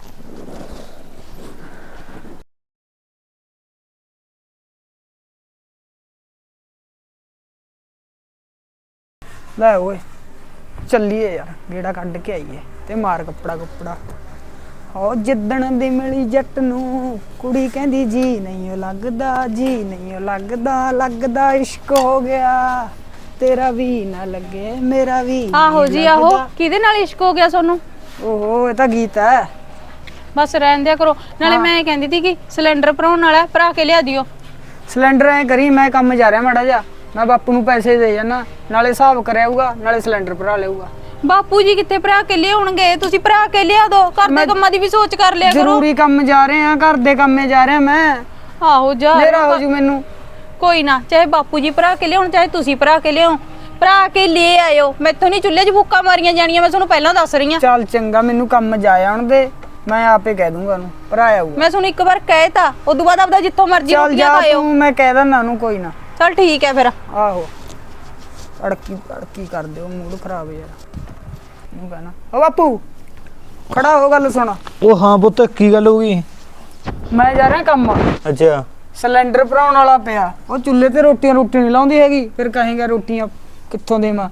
S1: ਲੈ ਓਏ ਚੱਲੀਏ ਯਾਰ, ਗੇੜਾ ਕੱਢ ਕੇ ਆਈਏ ਤੇ ਮਾਰ ਕੱਪੜਾ ਕੁੱਪੜਾ। ਹੋ ਜਿੱਦਣ ਦੀ ਮਿਲੀ ਜੱਟ ਨੂੰ ਕੁੜੀ ਕਹਿੰਦੀ ਜੀ ਨਹੀਂ ਓ ਲੱਗਦਾ, ਜੀ ਨਹੀਂ ਓ ਲੱਗਦਾ, ਲੱਗਦਾ ਇਸ਼ਕ ਹੋ ਗਿਆ, ਤੇਰਾ ਵੀ ਨਾ ਲੱਗੇ ਮੇਰਾ ਵੀ
S2: ਆਹੋ
S1: ਨਹੀਂ
S2: ਜੀ ਆਹੋ,
S1: ਲੱਗਦਾ।
S2: ਕਿਹਦੇ ਨਾਲ ਇਸ਼ਕ ਹੋ ਗਿਆ ਤੁਹਾਨੂੰ?
S1: ਓਹੋ ਇਹ ਤਾਂ ਗੀਤ ਹੈ।
S2: ਬਸ ਰਹਿਣ ਦਿਆ ਕਰੋ। ਨਾਲੇ ਮੈਂ ਕਹਿੰਦੀ ਸੀ ਕਿ ਸਿਲੰਡਰ ਭਰਾਉਣ ਵਾਲਾ ਭਰਾ ਕੇ ਲਿਆ ਦਿਓ।
S1: ਸਿਲੰਡਰ ਐ ਕਰੀ, ਮੈਂ ਕੰਮ ਜਾ ਰਿਹਾ ਮਾੜਾ ਜਾ, ਮੈਂ ਬਾਪੂ ਨੂੰ ਪੈਸੇ ਦੇ ਜਾਣਾ, ਨਾਲੇ ਹਿਸਾਬ ਕਰਿਆਊਗਾ ਨਾਲੇ ਸਿਲੰਡਰ ਭਰਾ ਲਊਗਾ।
S2: ਬਾਪੂ ਜੀ ਕਿੱਥੇ ਭਰਾ ਕੇ ਲਿਆਉਣਗੇ? ਤੁਸੀਂ ਭਰਾ ਕੇ ਲਿਆ ਦੋ, ਘਰ ਦੇ
S1: ਮੈਂ-
S2: ਕੰਮਾਂ ਦੀ ਵੀ ਸੋਚ ਕਰ ਲਿਆ ਕਰੋ।
S1: ਜ਼ਰੂਰੀ ਕੰਮ ਜਾ ਰਹੇ ਆ, ਘਰ ਦੇ ਕੰਮੇ ਜਾ ਰਿਹਾ ਮੈਂ।
S2: ਆਹੋ ਜਾ
S1: ਮੇਰਾ ਹੋ ਜੂ ਮੈਨੂੰ।
S2: ਕੋਈ ਨਾ, ਚਾਹੇ ਬਾਪੂ ਜੀ ਭਰਾ ਕੇ ਲਿਆਉਣ ਚਾਹੇ ਤੁਸੀਂ ਭਰਾ ਕੇ ਲਿਆਓ, ਭਰਾ ਕੇ ਲੈ ਆਇਓ। ਮੈਥੋਂ ਨਹੀਂ ਚੁੱਲ੍ਹੇ 'ਚ ਫੂਕਾਂ ਮਾਰੀਆਂ ਜਾਣੀਆਂ, ਮੈਂ ਤੁਹਾਨੂੰ ਪਹਿਲਾਂ ਦੱਸ ਰਹੀ ਆ।
S1: ਚੱਲ ਚੰਗਾ, ਮੈਨੂੰ ਕੰਮ ਜਾ ਆਉਣ ਦੇ, ਮੈਂ ਆਪੇ ਕਹਿ ਦੂੰਗਾ ਉਹਨੂੰ, ਭਰਾ ਆਊਗਾ।
S2: ਮੈਂ ਤੁਹਾਨੂੰ ਇੱਕ ਵਾਰ ਕਹਿਤਾ, ਉਦੋਂ ਬਾਅਦ ਆਪਦਾ ਜਿੱਥੋਂ ਮਰਜ਼ੀ
S1: ਚੱਲ
S2: ਰੋਟੀਆਂ
S1: ਜਾ
S2: ਖਾਇਓ।
S1: ਤੂੰ, ਮੈਂ ਕਹਿ ਦਿੰਦਾ ਉਹਨੂੰ, ਕੋਈ ਨਾ।
S2: ਚੱਲ ਠੀਕ ਹੈ ਫਿਰ।
S1: ਆਹੋ, ਅੜਕੀ ਕਰ ਦਿਓ, ਮੂਡ ਖਰਾਬ ਯਾਰ। ਨੂੰ ਕਹਿਣਾ ਓ ਬਾਪੂ ਖੜਾ ਹੋ, ਗੱਲ ਸੁਣ।
S3: ਉਹ ਹਾਂ ਪੁੱਤ, ਕੀ ਗੱਲ ਹੋ ਗਈ?
S1: ਮੈਂ ਜਾ ਰਿਹਾ ਕੰਮ,
S3: ਅੱਛਾ।
S1: ਸਿਲੰਡਰ ਭਰਾਉਣ ਵਾਲਾ ਪਿਆ। ਉਹ ਚੁੱਲ੍ਹੇ ਤੇ ਰੋਟੀ ਨਹੀਂ ਲਾਉਂਦੀ ਹੈਗੀ, ਫਿਰ ਕਹੇਗਾ ਰੋਟੀਆਂ ਕਿੱਥੋਂ ਦੇਵਾਂ।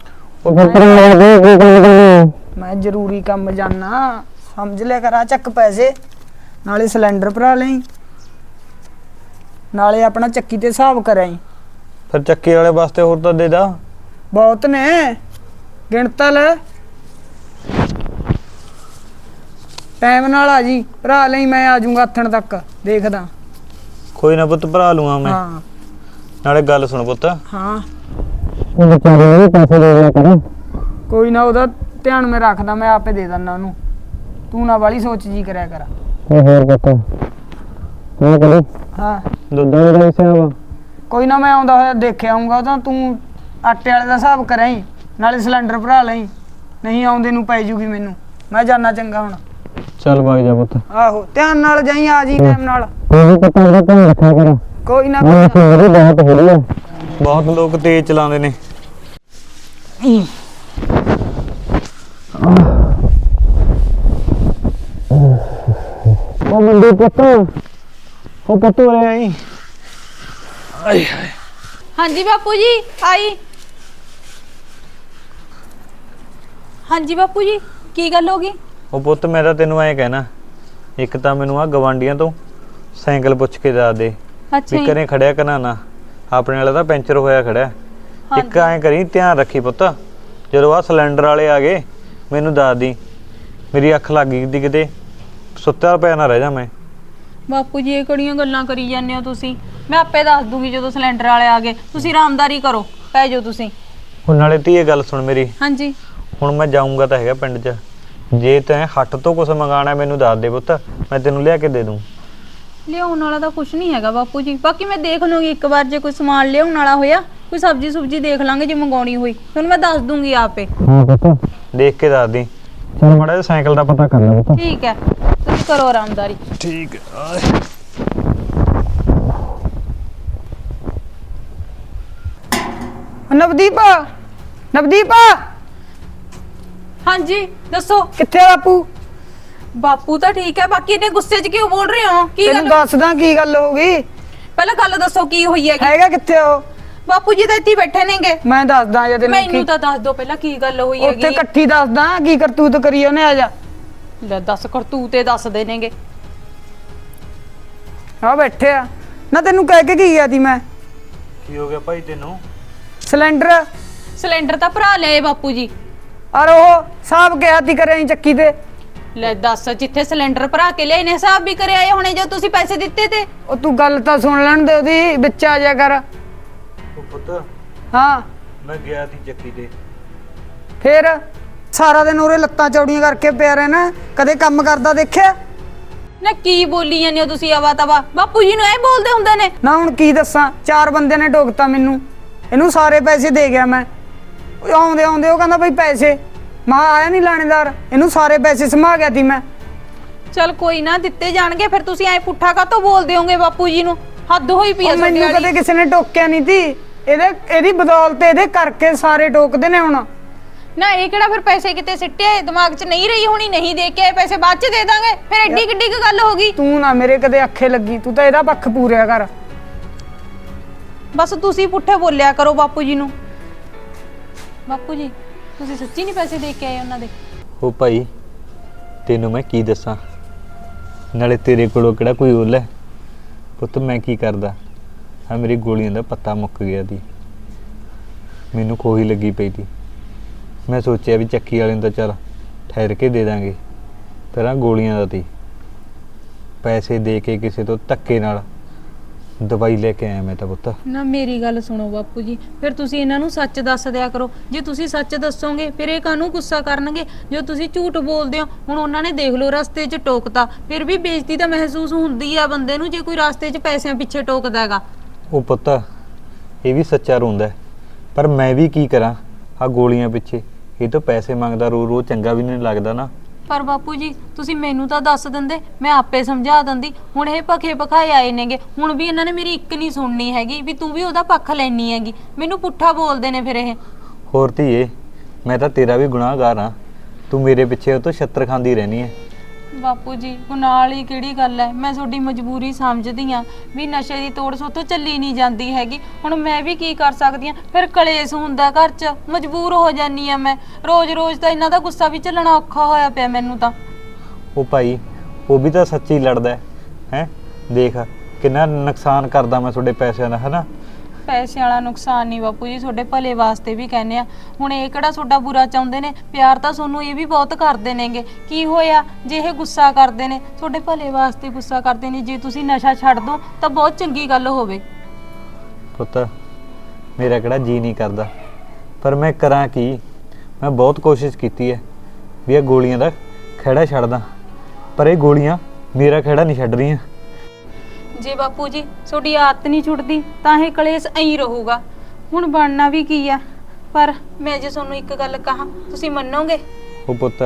S1: ਮੈਂ ਜ਼ਰੂਰੀ ਕੰਮ ਜਾਣਾ, ਸਮਝ ਲਿਆ ਕਰ। ਆ ਚੱਕ ਪੈਸੇ, ਨਾਲੇ ਸਿਲੰਡਰ ਭਰਾ ਲਈ, ਨਾਲੇ ਆਪਣਾ ਚੱਕੀ ਤੇ ਹਿਸਾਬ ਕਰਾਈ।
S3: ਫਿਰ ਚੱਕੀ ਵਾਲੇ ਵਾਸਤੇ ਹੋਰ ਤਾਂ ਦੇ ਦਾ।
S1: ਬਹੁਤ ਨੇ, ਗਿਣਤਾ ਲੈ। ਟਾਈਮ ਨਾਲ ਆ ਜੀ, ਭਰਾ ਲਈ, ਮੈਂ ਆ ਜਾਊਂਗਾ ਆਥਣ ਤੱਕ, ਦੇਖਦਾ।
S3: ਕੋਈ ਨਾ ਪੁੱਤ, ਭਰਾ ਲੂੰਗਾ ਮੈਂ।
S1: ਹਾਂ
S3: ਨਾਲੇ ਗੱਲ ਸੁਣ ਪੁੱਤ,
S1: ਹਾਂ,
S3: ਉਹ ਵਿਚਾਰੇ ਨੂੰ ਪੈਸੇ ਦੇ ਦਿਆ ਕਰ।
S1: ਕੋਈ ਨਾ, ਉਹਦਾ ਧਿਆਨ ਮੈਂ ਰੱਖਦਾ, ਮੈਂ ਆਪੇ ਦੇ ਦਿੰਦਾ ਉਹਨੂੰ। ਤੂੰ ਨਾ ਵਾਲੀ ਸੋਚ ਜੀ ਕਰਿਆ ਕਰ।
S3: ਹੋਰ ਪੁੱਤ ਮੈਂ ਕਰੇ
S1: ਹਾਂ
S3: ਦੁੱਧਾਂ ਦਾ ਹਿਸਾਬ।
S1: ਕੋਈ ਨਾ, ਮੈਂ ਆਉਂਦਾ ਹੋਇਆ ਦੇਖਿਆ ਆਊਂਗਾ। ਤਾਂ ਤੂੰ ਆਟੇ ਵਾਲੇ ਦਾ ਹਿਸਾਬ ਕਰਾਈ, ਨਾਲੇ ਸਿਲੰਡਰ ਭਰਾ ਲਈ, ਨਹੀਂ ਆਉਂਦੇ ਨੂੰ ਪੈ ਜੂਗੀ ਮੈਨੂੰ। ਮੈਂ ਜਾਣਾ, ਚੰਗਾ ਹੁਣ।
S3: ਚੱਲ ਭਾਈ ਜਾ ਪੁੱਤ।
S1: ਆਹੋ, ਧਿਆਨ ਨਾਲ ਜਾਈ, ਆ ਜੀ ਟਾਈਮ ਨਾਲ।
S3: ਕੋਈ ਪਤਾ ਉਹਦਾ ਧਿਆਨ ਰੱਖਿਆ ਕਰ।
S1: ਕੋਈ ਨਾ,
S3: ਮੈਂ ਸਵੇਰੇ ਬਹੁਤ ਹੋ ਰਹੀ ਹੈ, ਬਹੁਤ ਲੋਕ ਤੇਜ਼ ਚਲਾਉਂਦੇ ਨੇ। ਉਹ ਮੁੰਡੇ ਪੁੱਤ, ਉਹ ਪੁੱਤ ਹੋ ਰਿਹਾ ਈ। ਆਏ ਹਾਏ।
S2: ਹਾਂਜੀ ਬਾਪੂ ਜੀ ਆਈ। ਹਾਂਜੀ ਬਾਪੂ ਜੀ, ਕੀ ਗੱਲ ਹੋ ਗਈ?
S3: ਉਹ ਪੁੱਤ, ਮੈਂ ਤਾਂ ਤੈਨੂੰ ਐਂ ਕਹਿਣਾ, ਇੱਕ ਤਾਂ ਮੈਨੂੰ ਆ ਗਵਾਂਡੀਆਂ ਤੋਂ ਸਾਈਕਲ ਪੁੱਛ ਕੇ ਦੱਸ ਦੇ
S2: ਅੱਛਾ
S3: ਵੀ
S2: ਜੀ।
S3: ਘਰੇ ਖੜਿਆ ਕਰਨਾ ਨਾ, ਆਪਣੇ ਵਾਲਾ ਤਾਂ ਪੈਂਚਰ ਹੋਇਆ ਖੜਿਆ। ਇੱਕ ਐਂ ਕਰੀ, ਧਿਆਨ ਰੱਖੀ ਪੁੱਤ, ਜਦੋਂ ਆ ਸਿਲੰਡਰ ਵਾਲੇ ਆ ਗਏ ਮੈਨੂੰ ਦੱਸ ਦੀ, ਮੇਰੀ ਅੱਖ ਲੱਗ ਗਈ ਤੀ ਕਿਤੇ, ਸੁੱਤਾ ਪਿਆ ਨਾ ਰਹਿ ਜਾ ਮੈਂ।
S2: ਬਾਪੂ ਜੀ ਇਹ ਕਿਹੜੀਆਂ ਗੱਲਾਂ ਕਰੀ ਜਾਂਦੇ ਹੋ ਤੁਸੀਂ? ਮੈਂ ਆਪੇ ਦੱਸ ਦੂੰਗੀ ਜਦੋਂ ਸਿਲੰਡਰ ਵਾਲੇ ਆ ਗਏ। ਤੁਸੀਂ ਆਰਾਮਦਾਰੀ ਕਰੋ, ਪੈ ਜਾਓ ਤੁਸੀਂ।
S3: ਹੁਣ ਨਾਲੇ ਧੀਏ ਗੱਲ ਸੁਣ ਮੇਰੀ,
S2: ਹਾਂਜੀ
S3: ਹੁਣ ਮੈਂ ਜਾਊਂਗਾ ਤਾਂ ਹੈਗਾ ਪਿੰਡ 'ਚ, ਜੇ ਤੈਂ ਹੱਟ ਤੋਂ ਕੁਝ ਮੰਗਾਣਾ ਮੈਨੂੰ ਦੱਸ ਦੇ ਪੁੱਤ, ਮੈਂ ਤੈਨੂੰ ਲਿਆ ਕੇ ਦੇ ਦੂੰ।
S2: ਲਿਆਉਣ ਵਾਲਾ ਤਾਂ ਕੁਝ ਨਹੀਂ ਹੈਗਾ ਬਾਪੂ ਜੀ, ਬਾਕੀ ਮੈਂ ਦੇਖ ਲੂੰਗੀ ਇੱਕ ਵਾਰ, ਜੇ ਕੋਈ ਸਮਾਨ ਲਿਆਉਣ ਵਾਲਾ ਹੋਇਆ, ਕੋਈ ਸਬਜ਼ੀ ਸੁਬਜੀ ਦੇਖ ਲਾਂਗੇ, ਜੇ ਮੰਗਾਉਣੀ ਹੋਈ ਤੁਹਾਨੂੰ ਮੈਂ ਦੱਸ ਦੂੰਗੀ ਆਪੇ।
S3: ਹਾਂ ਪੁੱਤ, ਦੇਖ ਕੇ ਦੱਸ ਦੀ। ਚਲ ਮਾੜਾ ਜਿਹਾ ਸਾਈਕਲ ਦਾ ਪਤਾ ਕਰ ਲੈ ਪੁੱਤ।
S2: ਠੀਕ ਹੈ, ਤੁਸੀਂ ਕਰੋ ਆਰਾਮਦਾਰੀ।
S3: ਠੀਕ ਹੈ।
S1: ਨਵਦੀਪ, ਨਵਦੀਪ
S2: ਹਾਂਜੀ ਦੱਸੋ।
S1: ਕਿੱਥੇ ਆ ਬਾਪੂ?
S2: ਬਾਪੂ ਤਾਂ ਠੀਕ ਹੈ, ਬਾਕੀ ਇਹਨੇ ਗੁੱਸੇ 'ਚ ਕਿਉਂ ਬੋਲ ਰਹੇ ਹੋ? ਕੀ
S1: ਤੈਨੂੰ
S2: ਗੱਲ?
S1: ਦੱਸਦਾ ਕੀ ਗੱਲ ਹੋ ਗਈ।
S2: ਪਹਿਲਾਂ ਗੱਲ ਦੱਸੋ ਕੀ ਹੋਈ ਹੈਗੀ?
S1: ਹੈਗਾ ਕਿੱਥੇ ਉਹ?
S2: ਬਾਪੂ ਜੀ ਤਾਂ ਇੱਥੇ ਹੀ ਬੈਠੇ ਨੇਗੇ।
S1: ਮੈਂ ਦੱਸਦਾ ਜੇ ਤੈਨੂੰ
S2: ਮੈਨੂੰ ਤਾਂ ਦੱਸ ਦਿਓ ਪਹਿਲਾਂ ਕੀ ਗੱਲ ਹੋਈ
S1: ਉੱਥੇ
S2: ਹੈਗੀ।
S1: ਇਕੱਠੀ ਦੱਸਦਾ ਕੀ ਕਰਤੂਤ ਕਰੀ ਉਹਨੇ। ਆ ਜਾ,
S2: ਲੈ ਦੱਸ, ਕਰਤੂਤੇ ਦੱਸਦੇ ਨੇਗੇ।
S1: ਆ ਬੈਠੇ ਆ ਨਾ। ਤੈਨੂੰ ਕਹਿ ਕੇ ਕੀ ਗਿਆ ਤੀ ਮੈਂ?
S3: ਕੀ ਹੋ ਗਿਆ ਭਾਈ ਤੈਨੂੰ?
S1: ਸਿਲੰਡਰ
S2: ਸਿਲੰਡਰ ਤਾਂ ਭਰਾ ਲਏ ਬਾਪੂ ਜੀ।
S1: ਔਰ ਉਹ ਸਾਹਬ ਕਿਹਾ ਤੀ ਕਰੇ ਚੱਕੀ ਤੇ।
S2: ਲੈ ਦੱਸ, ਜਿੱਥੇ ਸਿਲੰਡਰ ਭਰਾ ਕੇ ਲਿਆਏ ਨੇ ਹਿਸਾਬ ਵੀ ਕਰਿਆ ਆਏ ਹੋਣੇ ਜੋ ਤੁਸੀਂ ਪੈਸੇ ਦਿੱਤੇ ਤੇ।
S1: ਉਹ ਤੂੰ ਗੱਲ ਤਾਂ ਸੁਣ ਲੈਣ ਦੇ ਉਹਦੀ, ਵਿੱਚ ਆ ਜਾ ਕਰ।
S3: ਉਹ ਪੁੱਤ,
S1: ਹਾਂ
S3: ਮੈਂ ਗਿਆ ਸੀ ਚੱਕੀ ਤੇ।
S1: ਫੇਰ ਸਾਰਾ ਦਿਨ ਉਹਰੇ ਲੱਤਾਂ ਚੌੜੀਆਂ ਕਰਕੇ ਪਿਆ ਰਹਿਣਾ, ਕਦੇ ਕੰਮ ਕਰਦਾ ਦੇਖਿਆ
S2: ਨਾ? ਕੀ ਬੋਲੀ ਜਾਂਦੇ ਹੋ ਤੁਸੀਂ ਆਵਾ ਤਵਾ? ਬਾਪੂ ਜੀ ਨੂੰ ਐ ਬੋਲਦੇ ਹੁੰਦੇ ਨੇ?
S1: ਨਾ? ਹੁਣ ਕੀ ਦੱਸਾਂ, 4 ਬੰਦੇ ਨੇ ਟੋਕਤਾ ਮੈਨੂੰ, ਇਹਨੂੰ ਸਾਰੇ ਪੈਸੇ ਦੇ ਗਿਆ ਮੈਂ। ਉਹ ਆਉਂਦੇ ਆਉਂਦੇ ਉਹ ਕਹਿੰਦਾ ਬਈ ਪੈਸੇ, ਮੈਂ ਆਇਆ ਨਹੀਂ ਲਾਣੇਦਾਰ, ਇਹਨੂੰ ਸਾਰੇ ਪੈਸੇ ਸਮਾ ਗਿਆ ਤੀ ਮੈਂ।
S2: ਚਲ ਕੋਈ ਨਾ, ਦਿੱਤੇ ਜਾਣਗੇ। ਫਿਰ ਤੁਸੀਂ ਐ ਪੁੱਠਾ ਕਾਤੋਂ ਬੋਲਦੇ ਹੋਗੇ ਬਾਪੂ ਜੀ ਨੂੰ? ਹੱਦ ਹੋਈ ਪਈ ਆ
S1: ਉਹ
S2: ਤੁਹਾਡੀ
S1: ਮੈਨੂੰ
S2: ਵਾਲੀ।
S1: ਕਦੇ ਕਿਸੇ ਨੇ ਟੋਕਿਆ ਨਹੀਂ ਤੀ, ਇਹਦੀ ਬਦੌਲਤ ਇਹਦੇ ਕਰਕੇ ਸਾਰੇ ਟੋਕਦੇ ਨੇ ਹੁਣ।
S2: ਨਾ ਇਹ ਕਿਹੜਾ ਫਿਰ ਪੈਸੇ ਕਿਤੇ ਸਿੱਟੇ ਦਿਮਾਗ 'ਚ ਨਹੀਂ ਰਹੀ ਹੋਣੀ, ਨਹੀਂ ਦੇ ਕੇ ਆਏ ਪੈਸੇ, ਬਾਅਦ 'ਚ ਦੇ ਦਾਂਗੇ। ਫਿਰ ਐਡੀ ਕਿੱਡੀ ਕੁ ਗੱਲ ਹੋ ਗਈ?
S1: ਤੂੰ ਨਾ ਮੇਰੇ ਕਦੇ ਅੱਖੇ ਲੱਗੀ, ਤੂੰ ਤਾਂ ਇਹਦਾ ਪੱਖ ਪੂਰਿਆ ਕਰ।
S2: ਬਸ ਤੁਸੀਂ ਪੁੱਠੇ ਬੋਲਿਆ ਕਰੋ ਬਾਪੂ ਜੀ ਨੂੰ। ਬਾਪੂ ਜੀ ਤੁਸੀਂ ਸੱਚੀ ਨਹੀਂ ਪੈਸੇ ਦੇ ਕੇ ਆਏ ਉਹਨਾਂ ਦੇ?
S3: ਉਹ ਭਾਈ ਤੈਨੂੰ ਮੈਂ ਕੀ ਦੱਸਾਂ, ਨਾਲੇ ਤੇਰੇ ਕੋਲੋਂ ਕਿਹੜਾ ਕੋਈ ਓਲ ਹੈ ਪੁੱਤ। ਮੈਂ ਕੀ ਕਰਦਾ, ਆ ਮੇਰੀ ਗੋਲੀਆਂ ਦਾ ਪੱਤਾ ਮੁੱਕ ਗਿਆ ਸੀ, ਮੈਨੂੰ ਖੋਹੀ ਲੱਗੀ ਪਈ ਸੀ। ਮੈਂ ਸੋਚਿਆ ਵੀ ਚੱਕੀ ਵਾਲੇ ਨੂੰ ਤਾਂ ਚੱਲ ਠਹਿਰ ਕੇ ਦੇ ਦਾਂਗੇ, ਪਰ ਆਹ ਗੋਲੀਆਂ ਦਾ ਤੀ ਪੈਸੇ ਦੇ ਕੇ ਕਿਸੇ ਤੋਂ ਧੱਕੇ ਨਾਲ ਦਵਾਈ ਲੈ ਕੇ ਆਇਆ ਮੈਂ ਤਾਂ ਪੁੱਤ।
S2: ਨਾ ਮੇਰੀ ਗੱਲ ਸੁਣੋ ਬਾਪੂ ਜੀ, ਫਿਰ ਤੁਸੀਂ ਇਹਨਾਂ ਨੂੰ ਸੱਚ ਦੱਸ ਦਿਆ ਕਰੋ। ਜੇ ਤੁਸੀਂ ਸੱਚ ਦੱਸੋਗੇ ਫਿਰ ਇਹ ਕਾਹਨੂੰ ਗੁੱਸਾ ਕਰਨਗੇ। ਜੋ ਤੁਸੀਂ ਝੂਠ ਬੋਲਦੇ ਹੋ, ਹੁਣ ਉਹਨਾਂ ਨੇ ਦੇਖ ਲਓ ਰਸਤੇ 'ਚ ਟੋਕਤਾ, ਫਿਰ ਵੀ ਬੇਇੱਜ਼ਤੀ ਤਾਂ ਮਹਿਸੂਸ ਹੁੰਦੀ ਆ ਬੰਦੇ ਨੂੰ ਜੇ ਕੋਈ ਰਸਤੇ 'ਚ ਪੈਸਿਆਂ ਪਿੱਛੇ ਟੋਕਦਾ ਹੈਗਾ।
S3: ਉਹ ਪੁੱਤ ਇਹ ਵੀ ਸੱਚਾ ਰੋਂਦਾ ਹੈ, ਪਰ ਮੈਂ ਵੀ ਕੀ ਕਰਾਂ ਆ ਗੋਲੀਆਂ ਪਿੱਛੇ। ਇਹ ਤਾਂ ਪੈਸੇ ਮੰਗਦਾ ਰੋ ਰੋ ਚੰਗਾ ਵੀ ਨਹੀਂ ਲੱਗਦਾ ਨਾ।
S2: ਪਰ ਬਾਪੂ ਜੀ ਤੁਸੀਂ ਮੈਨੂੰ ਤਾਂ ਦੱਸ ਦਿੰਦੇ, ਮੈਂ ਆਪੇ ਸਮਝਾ ਦਿੰਦੀ। ਹੁਣ ਇਹ ਭਖੇ ਭਖਾਏ ਆਏ ਨੇਗੇ, ਹੁਣ ਵੀ ਇਹਨਾਂ ਨੇ ਮੇਰੀ ਇੱਕ ਨਹੀਂ ਸੁਣਨੀ ਹੈਗੀ ਵੀ ਤੂੰ ਵੀ ਉਹਦਾ ਪੱਖ ਲੈਣੀ ਹੈਗੀ। ਮੈਨੂੰ ਪੁੱਠਾ ਬੋਲਦੇ ਨੇ ਫਿਰ ਇਹ।
S3: ਹੋਰ ਧੀਏ, ਮੈਂ ਤਾਂ ਤੇਰਾ ਵੀ ਗੁਨਾਹਗਾਰ ਹਾਂ। ਤੂੰ ਮੇਰੇ ਪਿੱਛੇ ਉਹ ਤੋਂ ਛੱਤਰ ਖਾਂਦੀ ਰਹਿਣੀ ਹੈ।
S2: ਬਾਪੂ ਜੀ ਗੁਨਾਹ ਵਾਲੀ ਕਿਹੜੀ ਗੱਲ ਹੈ। ਮੈਂ ਤੁਹਾਡੀ ਮਜਬੂਰੀ ਸਮਝਦੀ ਆ ਵੀ ਨਸ਼ੇ ਦੀ ਤੋੜ ਸੋਤੋਂ ਚੱਲੀ ਨਹੀਂ ਜਾਂਦੀ ਹੈਗੀ। ਹੁਣ ਮੈਂ ਵੀ ਕੀ ਕਰ ਸਕਦੀ ਆ, ਫਿਰ ਕਲੇਸ਼ ਹੁੰਦਾ ਘਰ 'ਚ, ਮਜਬੂਰ ਹੋ ਜਾਨੀ ਆ ਮੈਂ। ਰੋਜ਼-ਰੋਜ਼ ਤਾਂ ਇਹਨਾਂ ਦਾ ਗੁੱਸਾ ਵੀ ਝੱਲਣਾ ਔਖਾ ਹੋਇਆ ਪਿਆ ਮੈਨੂੰ ਤਾਂ।
S3: ਉਹ ਭਾਈ ਉਹ ਵੀ ਤਾਂ ਸੱਚੀ ਲੜਦਾ ਹੈ ਹੈਂ। ਦੇਖ ਕਿੰਨਾ ਨੁਕਸਾਨ ਕਰਦਾ ਮੈਂ ਤੁਹਾਡੇ ਪੈਸਿਆਂ ਦਾ, ਹੈ ਨਾ।
S2: ਪੈਸੇ ਵਾਲਾ ਨੁਕਸਾਨ ਨਹੀਂ ਬਾਪੂ ਜੀ, ਤੁਹਾਡੇ ਭਲੇ ਵਾਸਤੇ ਵੀ ਕਹਿੰਦੇ ਆ। ਹੁਣ ਇਹ ਕਿਹੜਾ ਤੁਹਾਡਾ ਬੁਰਾ ਚਾਹੁੰਦੇ ਨੇ, ਪਿਆਰ ਤਾਂ ਤੁਹਾਨੂੰ ਇਹ ਵੀ ਬਹੁਤ ਕਰਦੇ ਨੇਗੇ। ਕੀ ਹੋਇਆ ਜੇ ਇਹ ਗੁੱਸਾ ਕਰਦੇ ਨੇ, ਤੁਹਾਡੇ ਭਲੇ ਵਾਸਤੇ ਗੁੱਸਾ ਕਰਦੇ ਨੇ। ਜੇ ਤੁਸੀਂ ਨਸ਼ਾ ਛੱਡ ਦੋ ਤਾਂ ਬਹੁਤ ਚੰਗੀ ਗੱਲ ਹੋਵੇ।
S3: ਪੁੱਤ ਮੇਰਾ ਕਿਹੜਾ ਜੀ ਨਹੀਂ ਕਰਦਾ, ਪਰ ਮੈਂ ਕਰਾਂ ਕੀ। ਮੈਂ ਬਹੁਤ ਕੋਸ਼ਿਸ਼ ਕੀਤੀ ਹੈ ਵੀ ਇਹ ਗੋਲੀਆਂ ਦਾ ਖਹਿੜਾ ਛੱਡਦਾ, ਪਰ ਇਹ ਗੋਲੀਆਂ ਮੇਰਾ ਖਹਿੜਾ ਨਹੀਂ ਛੱਡ ਰਹੀਆਂ।
S2: ਜੇ ਬਾਪੂ ਜੀ ਤੁਹਾਡੀ ਆਦਤ ਨਹੀਂ ਛੁੱਟਦੀ ਤਾਂ ਇਹ ਕਲੇਸ਼ ਐਂ ਰਹੂਗਾ। ਹੁਣ ਬਣਨਾ ਵੀ ਕੀ ਆ। ਪਰ ਮੈਂ ਜੇ ਤੁਹਾਨੂੰ ਇੱਕ ਗੱਲ ਕਹਾਂ ਤੁਸੀਂ ਮੰਨੋਗੇ?
S3: ਉਹ ਪੁੱਤ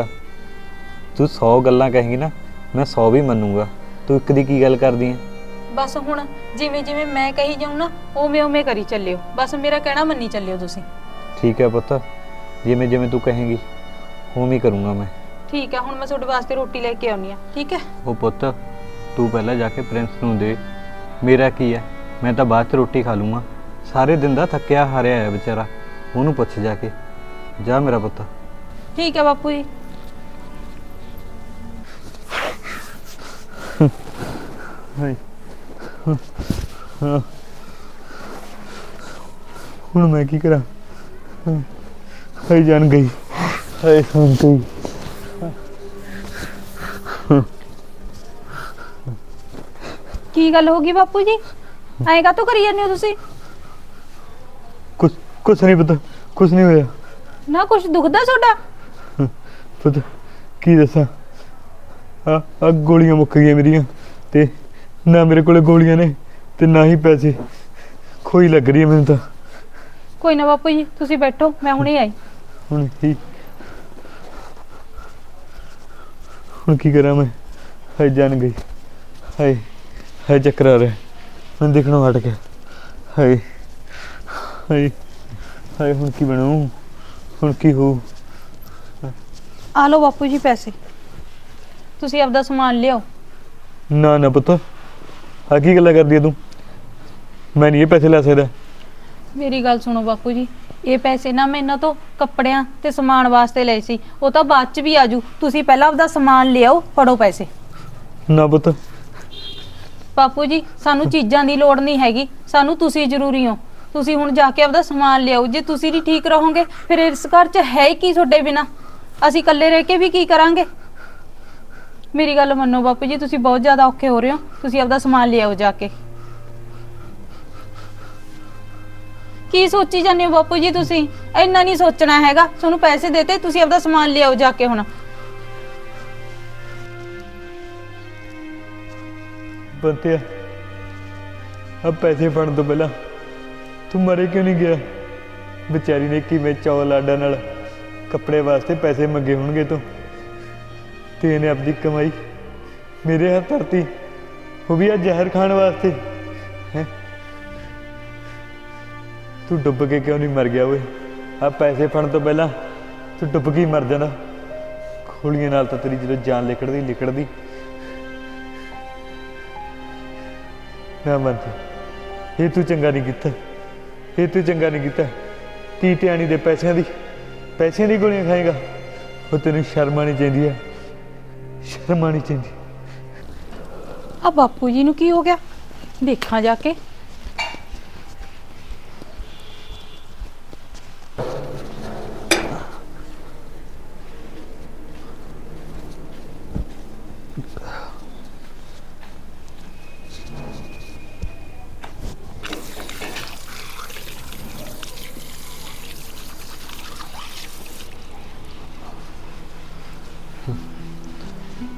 S3: ਤੂੰ 100 ਗੱਲਾਂ ਕਹੇਂਗੀ ਨਾ, ਮੈਂ 100 ਵੀ ਮੰਨੂਗਾ। ਤੂੰ ਇੱਕ ਦੀ ਕੀ ਗੱਲ ਕਰਦੀ ਹੈ?
S2: ਬਸ ਹੁਣ ਜਿਵੇਂ ਜਿਵੇਂ ਮੈਂ ਕਹੀ ਜਾਊਂ ਨਾ ਉਵੇਂ ਉਵੇਂ ਕਰੀ ਚੱਲਿਓ। ਬਸ ਮੇਰਾ ਕਹਿਣਾ ਮੰਨੀ ਚੱਲਿਓ ਤੁਸੀਂ।
S3: ਠੀਕ ਹੈ ਪੁੱਤ, ਜਿਵੇਂ ਜਿਵੇਂ ਤੂੰ ਕਹੇਂਗੀ ਉਵੇਂ ਹੀ ਕਰੂੰਗਾ ਮੈਂ।
S2: ਠੀਕ ਹੈ, ਹੁਣ ਮੈਂ ਤੁਹਾਡੇ ਵਾਸਤੇ ਰੋਟੀ ਲੈ ਕੇ ਆਉਣੀ ਆ। ਠੀਕ ਹੈ।
S3: ਉਹ ਪੁੱਤ ਤੂੰ ਪਹਿਲਾਂ ਜਾ ਕੇ ਪ੍ਰਿੰਸ ਨੂੰ ਦੇ। ਮੇਰਾ ਕੀ ਹੈ, ਮੈਂ ਤਾਂ ਬਾਅਦ 'ਚ ਰੋਟੀ ਖਾ ਲੂੰਗਾ। ਸਾਰੇ ਦਿਨ ਦਾ ਥੱਕਿਆ ਹਾਰਿਆ ਹੈ ਵਿਚਾਰਾ, ਉਹਨੂੰ ਪੁੱਛ ਜਾ ਕੇ। ਜਾ ਮੇਰਾ ਪੁੱਤ।
S2: ਠੀਕ ਹੈ ਬਾਪੂ ਜੀ।
S3: ਹੁਣ ਮੈਂ ਕੀ ਕਰਾਂ? ਹਾਏ ਜਾਨ ਗਈ, ਹਾਏ ਸੁਣ ਗਈ।
S2: ਕੀ ਗੱਲ ਹੋ ਗਈ ਬਾਪੂ ਜੀ, ਐਂ ਕਾਹਤੋਂ ਕਰੀ ਜਾਂਦੇ ਹੋ ਤੁਸੀਂ?
S3: ਕੁਛ ਨਹੀਂ ਪਤਾ, ਕੁਛ ਨਹੀਂ ਹੋਇਆ।
S2: ਨਾ ਕੁਛ ਦੁਖਦਾ ਤੁਹਾਡਾ?
S3: ਪਤਾ ਕੀ ਦੱਸਾਂ, ਆ ਗੋਲੀਆਂ ਮੁੱਕ ਗਈਆਂ ਮੇਰੀਆਂ, ਤੇ ਨਾ ਮੇਰੇ ਕੋਲੇ ਗੋਲੀਆਂ ਨੇ ਤੇ ਨਾ ਹੀ ਪੈਸੇ। ਖੋਈ ਲੱਗ ਰਹੀ ਹੈ ਮੈਨੂੰ ਤਾਂ।
S2: ਕੋਈ ਨਾ ਬਾਪੂ ਜੀ ਤੁਸੀਂ ਬੈਠੋ, ਮੈਂ ਹੁਣੇ ਆਈ।
S3: ਹੁਣ ਕੀ ਕਰਾਂ ਮੈਂ? ਹਾਏ ਜਾਨ ਗਈ, ਹਾਏ ਹਾਏ ਚੱਕਰ ਆ ਰਿਹਾ, ਮੈਨੂੰ ਦੇਖਣੋਂ ਹਟ ਗਿਆ। ਹਾਏ ਹਾਏ ਹਾਏ ਹੁਣ ਕੀ ਬਣੂ, ਹੁਣ ਕੀ ਹੋਊ?
S2: ਆ ਲਓ ਬਾਪੂ ਜੀ ਪੈਸੇ, ਤੁਸੀਂ ਆਪਦਾ ਸਮਾਨ ਲਿਆਓ।
S3: ਨਾ ਨਾ ਪੁੱਤ, ਆ ਕੀ ਗੱਲਾਂ ਕਰਦੀ ਹੈ ਤੂੰ? ਮੈਂ ਨਹੀਂ ਇਹ ਪੈਸੇ ਲੈ ਸਕਦਾ।
S2: ਮੇਰੀ ਗੱਲ ਸੁਣੋ ਬਾਪੂ ਜੀ, ਇਹ ਪੈਸੇ ਨਾ ਮੈਂ ਇਹਨਾਂ ਤੋਂ ਕੱਪੜਿਆਂ ਤੇ ਸਮਾਨ ਵਾਸਤੇ ਲਏ ਸੀ। ਉਹ ਤਾਂ ਬਾਅਦ ਚ ਵੀ ਆਜੂ, ਤੁਸੀਂ ਪਹਿਲਾਂ ਆਪਦਾ ਸਮਾਨ ਲਿਆਓ। ਫੜੋ ਪੈਸੇ।
S3: ਨਾ ਪੁੱਤ।
S2: ਬਾਪੂ ਜੀ ਸਾਨੂੰ ਚੀਜ਼ਾਂ ਦੀ ਲੋੜ ਨਹੀਂ ਹੈਗੀ, ਸਾਨੂੰ ਤੁਸੀਂ ਜ਼ਰੂਰੀ ਹੋ। ਤੁਸੀਂ ਹੁਣ ਜਾ ਕੇ ਆਪਦਾ ਸਮਾਨ ਲਿਆਓ। ਜੇ ਤੁਸੀਂ ਨਹੀਂ ਠੀਕ ਰਹੋਗੇ ਫਿਰ ਇਸ ਘਰ 'ਚ ਹੈ ਹੀ ਕੀ ਤੁਹਾਡੇ ਬਿਨਾ? ਅਸੀਂ ਇਕੱਲੇ ਰਹਿ ਕੇ ਵੀ ਕੀ ਕਰਾਂਗੇ? ਮੇਰੀ ਗੱਲ ਮੰਨੋ ਬਾਪੂ ਜੀ, ਤੁਸੀਂ ਬਹੁਤ ਜ਼ਿਆਦਾ ਔਖੇ ਹੋ ਰਹੇ ਹੋ। ਤੁਸੀਂ ਆਪਦਾ ਸਮਾਨ ਲਿਆਓ ਜਾ ਕੇ। ਕੀ ਸੋਚੀ ਜਾਂਦੇ ਹੋ ਬਾਪੂ ਜੀ ਤੁਸੀਂ? ਇੰਨਾ ਨਹੀਂ ਸੋਚਣਾ ਹੈਗਾ। ਤੁਹਾਨੂੰ ਪੈਸੇ ਦੇਤੇ, ਤੁਸੀਂ ਆਪਦਾ ਸਮਾਨ ਲਿਆਓ ਜਾ ਕੇ ਹੁਣ।
S3: ਬੰਤਿਆ ਆ ਪੈਸੇ ਫੜਨ ਤੋਂ ਪਹਿਲਾਂ ਤੂੰ ਮਰੇ ਕਿਉਂ ਨਹੀਂ ਗਿਆ? ਵਿਚਾਰੀ ਨੇ ਕਿਵੇਂ ਚੌਲ ਲਾਡਾ ਨਾਲ ਕੱਪੜੇ ਵਾਸਤੇ ਪੈਸੇ ਮੰਗੇ ਹੋਣਗੇ ਤੂੰ, ਤੇ ਇਹਨੇ ਆਪਣੀ ਕਮਾਈ ਮੇਰੇ ਹੱਥ ਧਰਤੀ, ਉਹ ਵੀ ਆ ਜ਼ਹਿਰ ਖਾਣ ਵਾਸਤੇ। ਹੈ ਤੂੰ ਡੁੱਬ ਕੇ ਕਿਉਂ ਨਹੀਂ ਮਰ ਗਿਆ ਓਏ? ਆ ਪੈਸੇ ਫੜਨ ਤੋਂ ਪਹਿਲਾਂ ਤੂੰ ਡੁੱਬ ਕੇ ਹੀ ਮਰ ਜਾਣਾ। ਗੋਲੀਆਂ ਨਾਲ ਤਾਂ ਤੇਰੀ ਜਦੋਂ ਜਾਨ ਲਿਕੜਦੀ। ਨਾ ਮੰਨਦੇ, ਇਹ ਤੂੰ ਚੰਗਾ ਨਹੀਂ ਕੀਤਾ, ਇਹ ਤੂੰ ਚੰਗਾ ਨਹੀਂ ਕੀਤਾ। ਤੀ ਟਿਆਣੀ ਦੇ ਪੈਸਿਆਂ ਦੀ ਗੋਲੀਆਂ ਖਾਏਗਾ? ਉਹ ਤੈਨੂੰ ਸ਼ਰਮ ਆਉਣੀ ਚਾਹੀਦੀ ਹੈ, ਸ਼ਰਮ ਆਉਣੀ ਚਾਹੀਦੀ।
S2: ਆ ਬਾਪੂ ਜੀ ਨੂੰ ਕੀ ਹੋ ਗਿਆ? ਦੇਖਾਂ ਜਾ ਕੇ।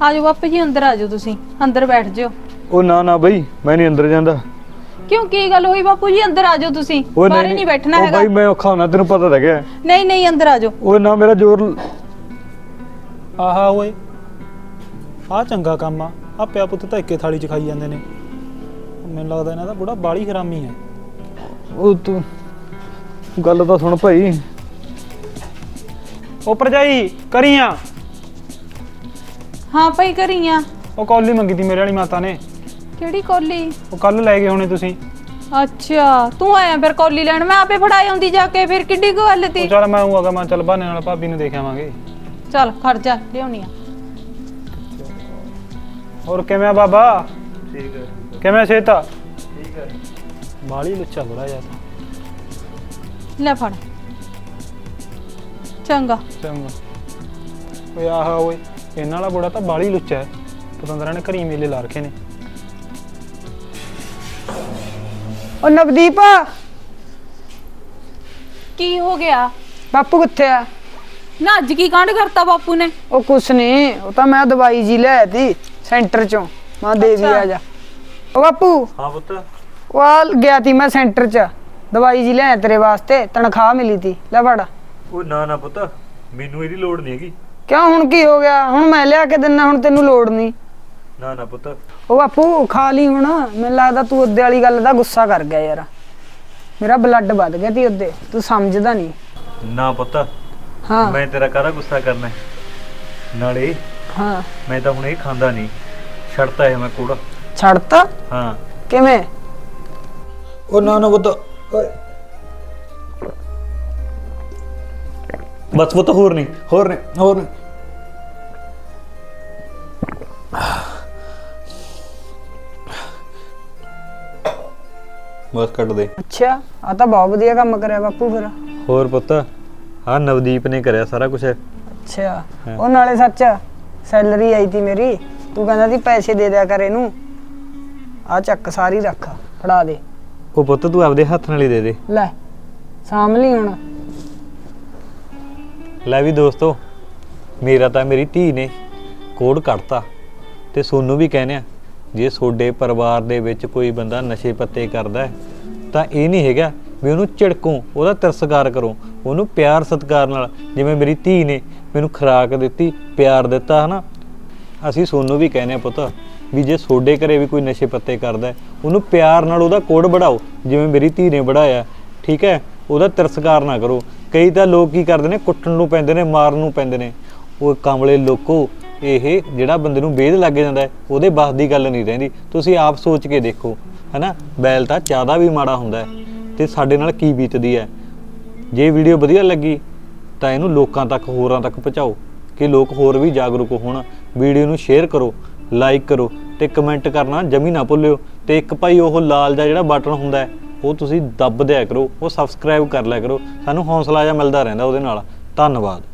S2: ਆਜੋ ਬਾਪੂ ਜੀ ਅੰਦਰ ਆਜੋ, ਤੁਸੀਂ ਅੰਦਰ ਬੈਠ ਜਿਓ।
S3: ਉਹ ਨਾ ਬਈ, ਮੈਂ ਨਹੀਂ ਅੰਦਰ ਜਾਂਦਾ।
S2: ਕਿਉਂ, ਕੀ ਗੱਲ ਹੋਈ ਬਾਪੂ ਜੀ? ਅੰਦਰ ਆਜੋ ਤੁਸੀਂ,
S3: ਉਹ
S2: ਬਾਹਰ ਨਹੀਂ ਬੈਠਣਾ
S3: ਉਹ
S2: ਹੈਗਾ।
S3: ਬਾਈ ਮੈਂ ਔਖਾ ਹੋਣਾ, ਤੈਨੂੰ ਪਤਾ ਤਾਂ ਹੈਗਾ।
S2: ਨਹੀਂ ਅੰਦਰ ਆਜੋ।
S3: ਉਹ ਨਾ ਮੇਰਾ ਜ਼ੋਰ।
S4: ਆਹਾ ਓਏ, ਆਹ ਚੰਗਾ ਕੰਮ ਆ ਪਿਆ ਪੁੱਤ ਤਾਂ ਇੱਕੇ ਥਾਲੀ 'ਚ ਖਾਈ ਜਾਂਦੇ ਨੇ। ਮੈਨੂੰ ਲੱਗਦਾ ਇਹਨਾਂ ਦਾ ਬੁੜਾ ਬਾਲੀ ਹਰਾਮੀ ਹੈ।
S3: ਉਹ ਤੂੰ ਗੱਲ ਤਾਂ ਸੁਣ ਭਾਈ।
S4: ਉਹ ਭਰਜਾਈ ਕਰੀਆਂ,
S2: ਹਾਂ ਭਾਈ ਕਰੀਆਂ।
S4: ਉਹ ਕੌਲੀ ਮੰਗੀ ਤੀ ਮੇਰੇ ਵਾਲੀ ਮਾਤਾ ਨੇ।
S2: ਕਿਹੜੀ ਕੌਲੀ?
S4: ਉਹ ਕੱਲ ਲੈ ਗਏ ਹੋਣੇ ਤੁਸੀਂ।
S2: ਅੱਛਾ, ਤੂੰ ਆਇਆ ਫਿਰ ਕੌਲੀ ਲੈਣ? ਮੈਂ ਆਪੇ ਫੜਾਈ ਆਉਂਦੀ ਜਾ ਕੇ, ਫਿਰ ਕਿੱਡੀ ਕੁ ਗੱਲ ਤੀ।
S4: ਉਹ ਚੱਲ ਮੈਂ ਆਊਂਗਾ, ਮੈਂ ਚੱਲ ਬਹਾਨੇ ਨਾਲ ਭਾਬੀ ਨੂੰ ਦੇਖ ਆਵਾਂਗੇ।
S2: ਚੱਲ ਖੜ ਜਾ, ਲਿਆਉਣੀ ਆ।
S4: ਹੋਰ ਕਿਵੇਂ ਆ ਬਾਬਾ?
S3: ਠੀਕ ਹੈ।
S4: ਕਿਵੇਂ ਸੇਤਾ?
S3: ਠੀਕ ਹੈ।
S4: ਬਾਲੀ ਲੁੱਚਾ ਬੜਾ ਯਾਰ।
S2: ਲੈ ਫੜ। ਚੰਗਾ।
S4: ਚੰਗਾ। ਓਏ ਆਹਾ ਓਏ, ਇਹਨਾਂ ਵਾਲਾ ਬੁੜਾ ਤਾਂ ਬਾਲੀ ਲੁੱਚਾ ਹੈ। ਪਤੰਦਰਾਂ ਨੇ ਘਰੀ ਮੇਲੇ ਲਾ ਰੱਖੇ ਨੇ।
S1: ਉਹ ਨਵਦੀਪ,
S2: ਕੀ ਹੋ ਗਿਆ?
S1: ਬਾਪੂ ਕਿੱਥੇ ਆ?
S2: ਨਾ ਅੱਜ ਕੀ ਕਾਂਡ ਕਰਤਾ ਬਾਪੂ ਨੇ?
S1: ਉਹ ਕੁਛ ਨਹੀਂ, ਉਹ ਤਾਂ ਮੈਂ ਦਵਾਈ ਜੀ ਲੈ ਤੀ ਸੈਂਟਰ ਚੋਂ, ਮੈਂ ਦੇ ਵੀ ਆ ਜਾ। ਉਹ ਬਾਪੂ,
S3: ਹਾਂ ਪੁੱਤ।
S1: ਉਹ ਆ ਗਿਆ ਤੀ ਮੈਂ ਸੈਂਟਰ ਚ, ਦਵਾਈ ਜੀ ਲੈ ਤੇਰੇ ਵਾਸਤੇ, ਤਨਖਾਹ ਮਿਲੀ ਤੀ, ਲੈ ਫੜ।
S3: ਉਹ ਨਾ ਪੁੱਤ, ਮੈਨੂੰ ਇਹਦੀ ਲੋੜ ਨਹੀਂ ਹੈਗੀ।
S1: ਕਿਉਂ, ਹੁਣ ਕੀ ਹੋ ਗਿਆ? ਹੁਣ ਮੈਂ ਲਿਆ ਕੇ ਦਿੰਨਾ, ਹੁਣ ਤੈਨੂੰ ਲੋੜ ਨਹੀਂ।
S3: ਨਾ ਪੁੱਤ।
S1: ਉਹ ਬਾਪੂ ਖਾ ਲਈ ਹੁਣ, ਮੈਨੂੰ ਲੱਗਦਾ ਤੂੰ ਉਹਦੇ ਵਾਲੀ ਗੱਲ ਦਾ ਗੁੱਸਾ ਕਰ ਗਿਆ ਯਾਰ, ਮੇਰਾ ਬਲੱਡ ਵੱਧ ਗਿਆ ਤੀ ਉਹਦੇ, ਤੂੰ ਸਮਝਦਾ ਨਹੀਂ।
S3: ਨਾ ਪੁੱਤ,
S1: ਹਾਂ
S3: ਮੈਂ ਤੇਰਾ ਕਾਹਦਾ ਗੁੱਸਾ ਕਰਨਾ ਹੈ? ਨਾਲੇ
S1: ਹਾਂ,
S3: ਮੈਂ ਤਾਂ ਹੁਣ ਇਹ ਖਾਂਦਾ ਨਹੀਂ, ਛੱਡਤਾ ਹੈ ਮੈਂ ਕੂੜਾ।
S1: ਛੱਡਤਾ?
S3: ਹਾਂ।
S1: ਕਿਵੇਂ?
S3: ਉਹ ਨਾ ਪੁੱਤ, ਬਸ ਪੁੱਤ, ਹੋਰ ਨਹੀਂ। ਬਸ ਕੱਟ ਦੇ।
S1: ਅੱਛਾ, ਆ ਤਾਂ ਬਹੁਤ ਵਧੀਆ ਕੰਮ ਕਰਿਆ ਬਾਪੂ ਫਿਰ।
S3: ਹੋਰ ਪੁੱਤ, ਆਹ ਨਵਦੀਪ ਨੇ ਕਰਿਆ ਸਾਰਾ ਕੁਝ।
S1: ਅੱਛਾ, ਉਹ ਨਾਲੇ ਸੱਚ ਸੈਲਰੀ ਆਈ ਤੀ ਮੇਰੀ, ਤੂੰ ਕਹਿੰਦਾ ਸੀ ਪੈਸੇ ਦੇ ਦਿਆ ਕਰ ਇਹਨੂੰ, ਆ ਚੱਕ ਸਾਰੀ ਰੱਖ, ਫੜਾ ਦੇ।
S3: ਉਹ ਪੁੱਤ ਤੂੰ ਆਪਦੇ ਹੱਥ ਨਾਲ ਹੀ ਦੇ ਦੇ।
S1: ਲੈ ਸਾਂਭ ਲਈ ਹੁਣ।
S3: ਲੈ ਵੀ ਦੋਸਤੋ, ਮੇਰਾ ਤਾਂ ਮੇਰੀ ਧੀ ਨੇ ਕੋਡ ਕੱਢਤਾ, ਤੇ ਸੋਨੂੰ ਵੀ ਕਹਿੰਦੇ ਆ, ਜੇ ਤੁਹਾਡੇ ਪਰਿਵਾਰ ਦੇ ਵਿੱਚ ਕੋਈ ਬੰਦਾ ਨਸ਼ੇ ਪੱਤੇ ਕਰਦਾ ਹੈ ਤਾਂ ਇਹ ਨਹੀਂ ਹੈਗਾ ਵੀ ਉਹਨੂੰ ਝਿੜਕੋ, ਉਹਦਾ ਤਿਰਸਕਾਰ ਕਰੋ, ਉਹਨੂੰ ਪਿਆਰ ਸਤਿਕਾਰ ਨਾਲ, ਜਿਵੇਂ ਮੇਰੀ ਧੀ ਨੇ ਮੈਨੂੰ ਖੁਰਾਕ ਦਿੱਤੀ, ਪਿਆਰ ਦਿੱਤਾ, ਹਨਾ। ਅਸੀਂ ਸੋਨੂੰ ਵੀ ਕਹਿੰਦੇ ਆ ਪੁੱਤ, ਵੀ ਜੇ ਤੁਹਾਡੇ ਘਰੇ ਵੀ ਕੋਈ ਨਸ਼ੇ ਪੱਤੇ ਕਰਦਾ ਹੈ, ਉਹਨੂੰ ਪਿਆਰ ਨਾਲ ਉਹਦਾ ਕੋਡ बढ़ाओ, ਜਿਵੇਂ ਮੇਰੀ ਧੀ ਨੇ बढ़ाया, ਠੀਕ ਹੈ। ਉਹਦਾ ਤਿਰਸਕਾਰ ਨਾ ਕਰੋ। ਕਈ ਤਾਂ ਲੋਕ ਕੀ ਕਰਦੇ ਨੇ, ਕੁੱਟਣ ਨੂੰ ਪੈਂਦੇ ਨੇ, ਮਾਰਨ ਨੂੰ ਪੈਂਦੇ ਨੇ। ਉਹ ਕਮਲੇ ਲੋਕੋ, ਇਹ ਜਿਹੜਾ ਬੰਦੇ ਨੂੰ ਵੇਦ ਲੱਗ ਜਾਂਦਾ ਹੈ, ਉਹਦੇ ਬਸ ਦੀ ਗੱਲ ਨਹੀਂ ਰਹਿੰਦੀ। ਤੁਸੀਂ ਆਪ ਸੋਚ ਕੇ ਦੇਖੋ, ਹਨਾ। ਬੈਲ ਤਾਂ ਜ਼ਿਆਦਾ ਵੀ ਮਾੜਾ ਹੁੰਦਾ ਹੈ, ਤੇ ਸਾਡੇ ਨਾਲ ਕੀ ਬੀਤਦੀ ਹੈ। ਜੇ ਵੀਡੀਓ ਵਧੀਆ ਲੱਗੀ ਤਾਂ ਇਹਨੂੰ ਲੋਕਾਂ ਤੱਕ, ਹੋਰਾਂ ਤੱਕ ਪਹੁੰਚਾਓ, ਕਿ ਲੋਕ ਹੋਰ ਵੀ ਜਾਗਰੂਕ ਹੋਣ। ਵੀਡੀਓ ਨੂੰ ਸ਼ੇਅਰ ਕਰੋ, ਲਾਈਕ ਕਰੋ, ਤੇ ਕਮੈਂਟ ਕਰਨਾ ਜਮੀ ਨਾ ਭੁੱਲਿਓ। ਤੇ ਇੱਕ ਭਾਈ ਉਹ ਲਾਲ ਦਾ ਜਿਹੜਾ ਬਟਨ ਹੁੰਦਾ ਹੈ, ਉਹ ਤੁਸੀਂ ਦੱਬ ਦਿਆ ਕਰੋ, ਉਹ ਸਬਸਕ੍ਰਾਈਬ ਕਰ ਲਿਆ ਕਰੋ। ਸਾਨੂੰ ਹੌਸਲਾ ਜਿਹਾ ਮਿਲਦਾ ਰਹਿੰਦਾ ਉਹਦੇ ਨਾਲ। ਧੰਨਵਾਦ।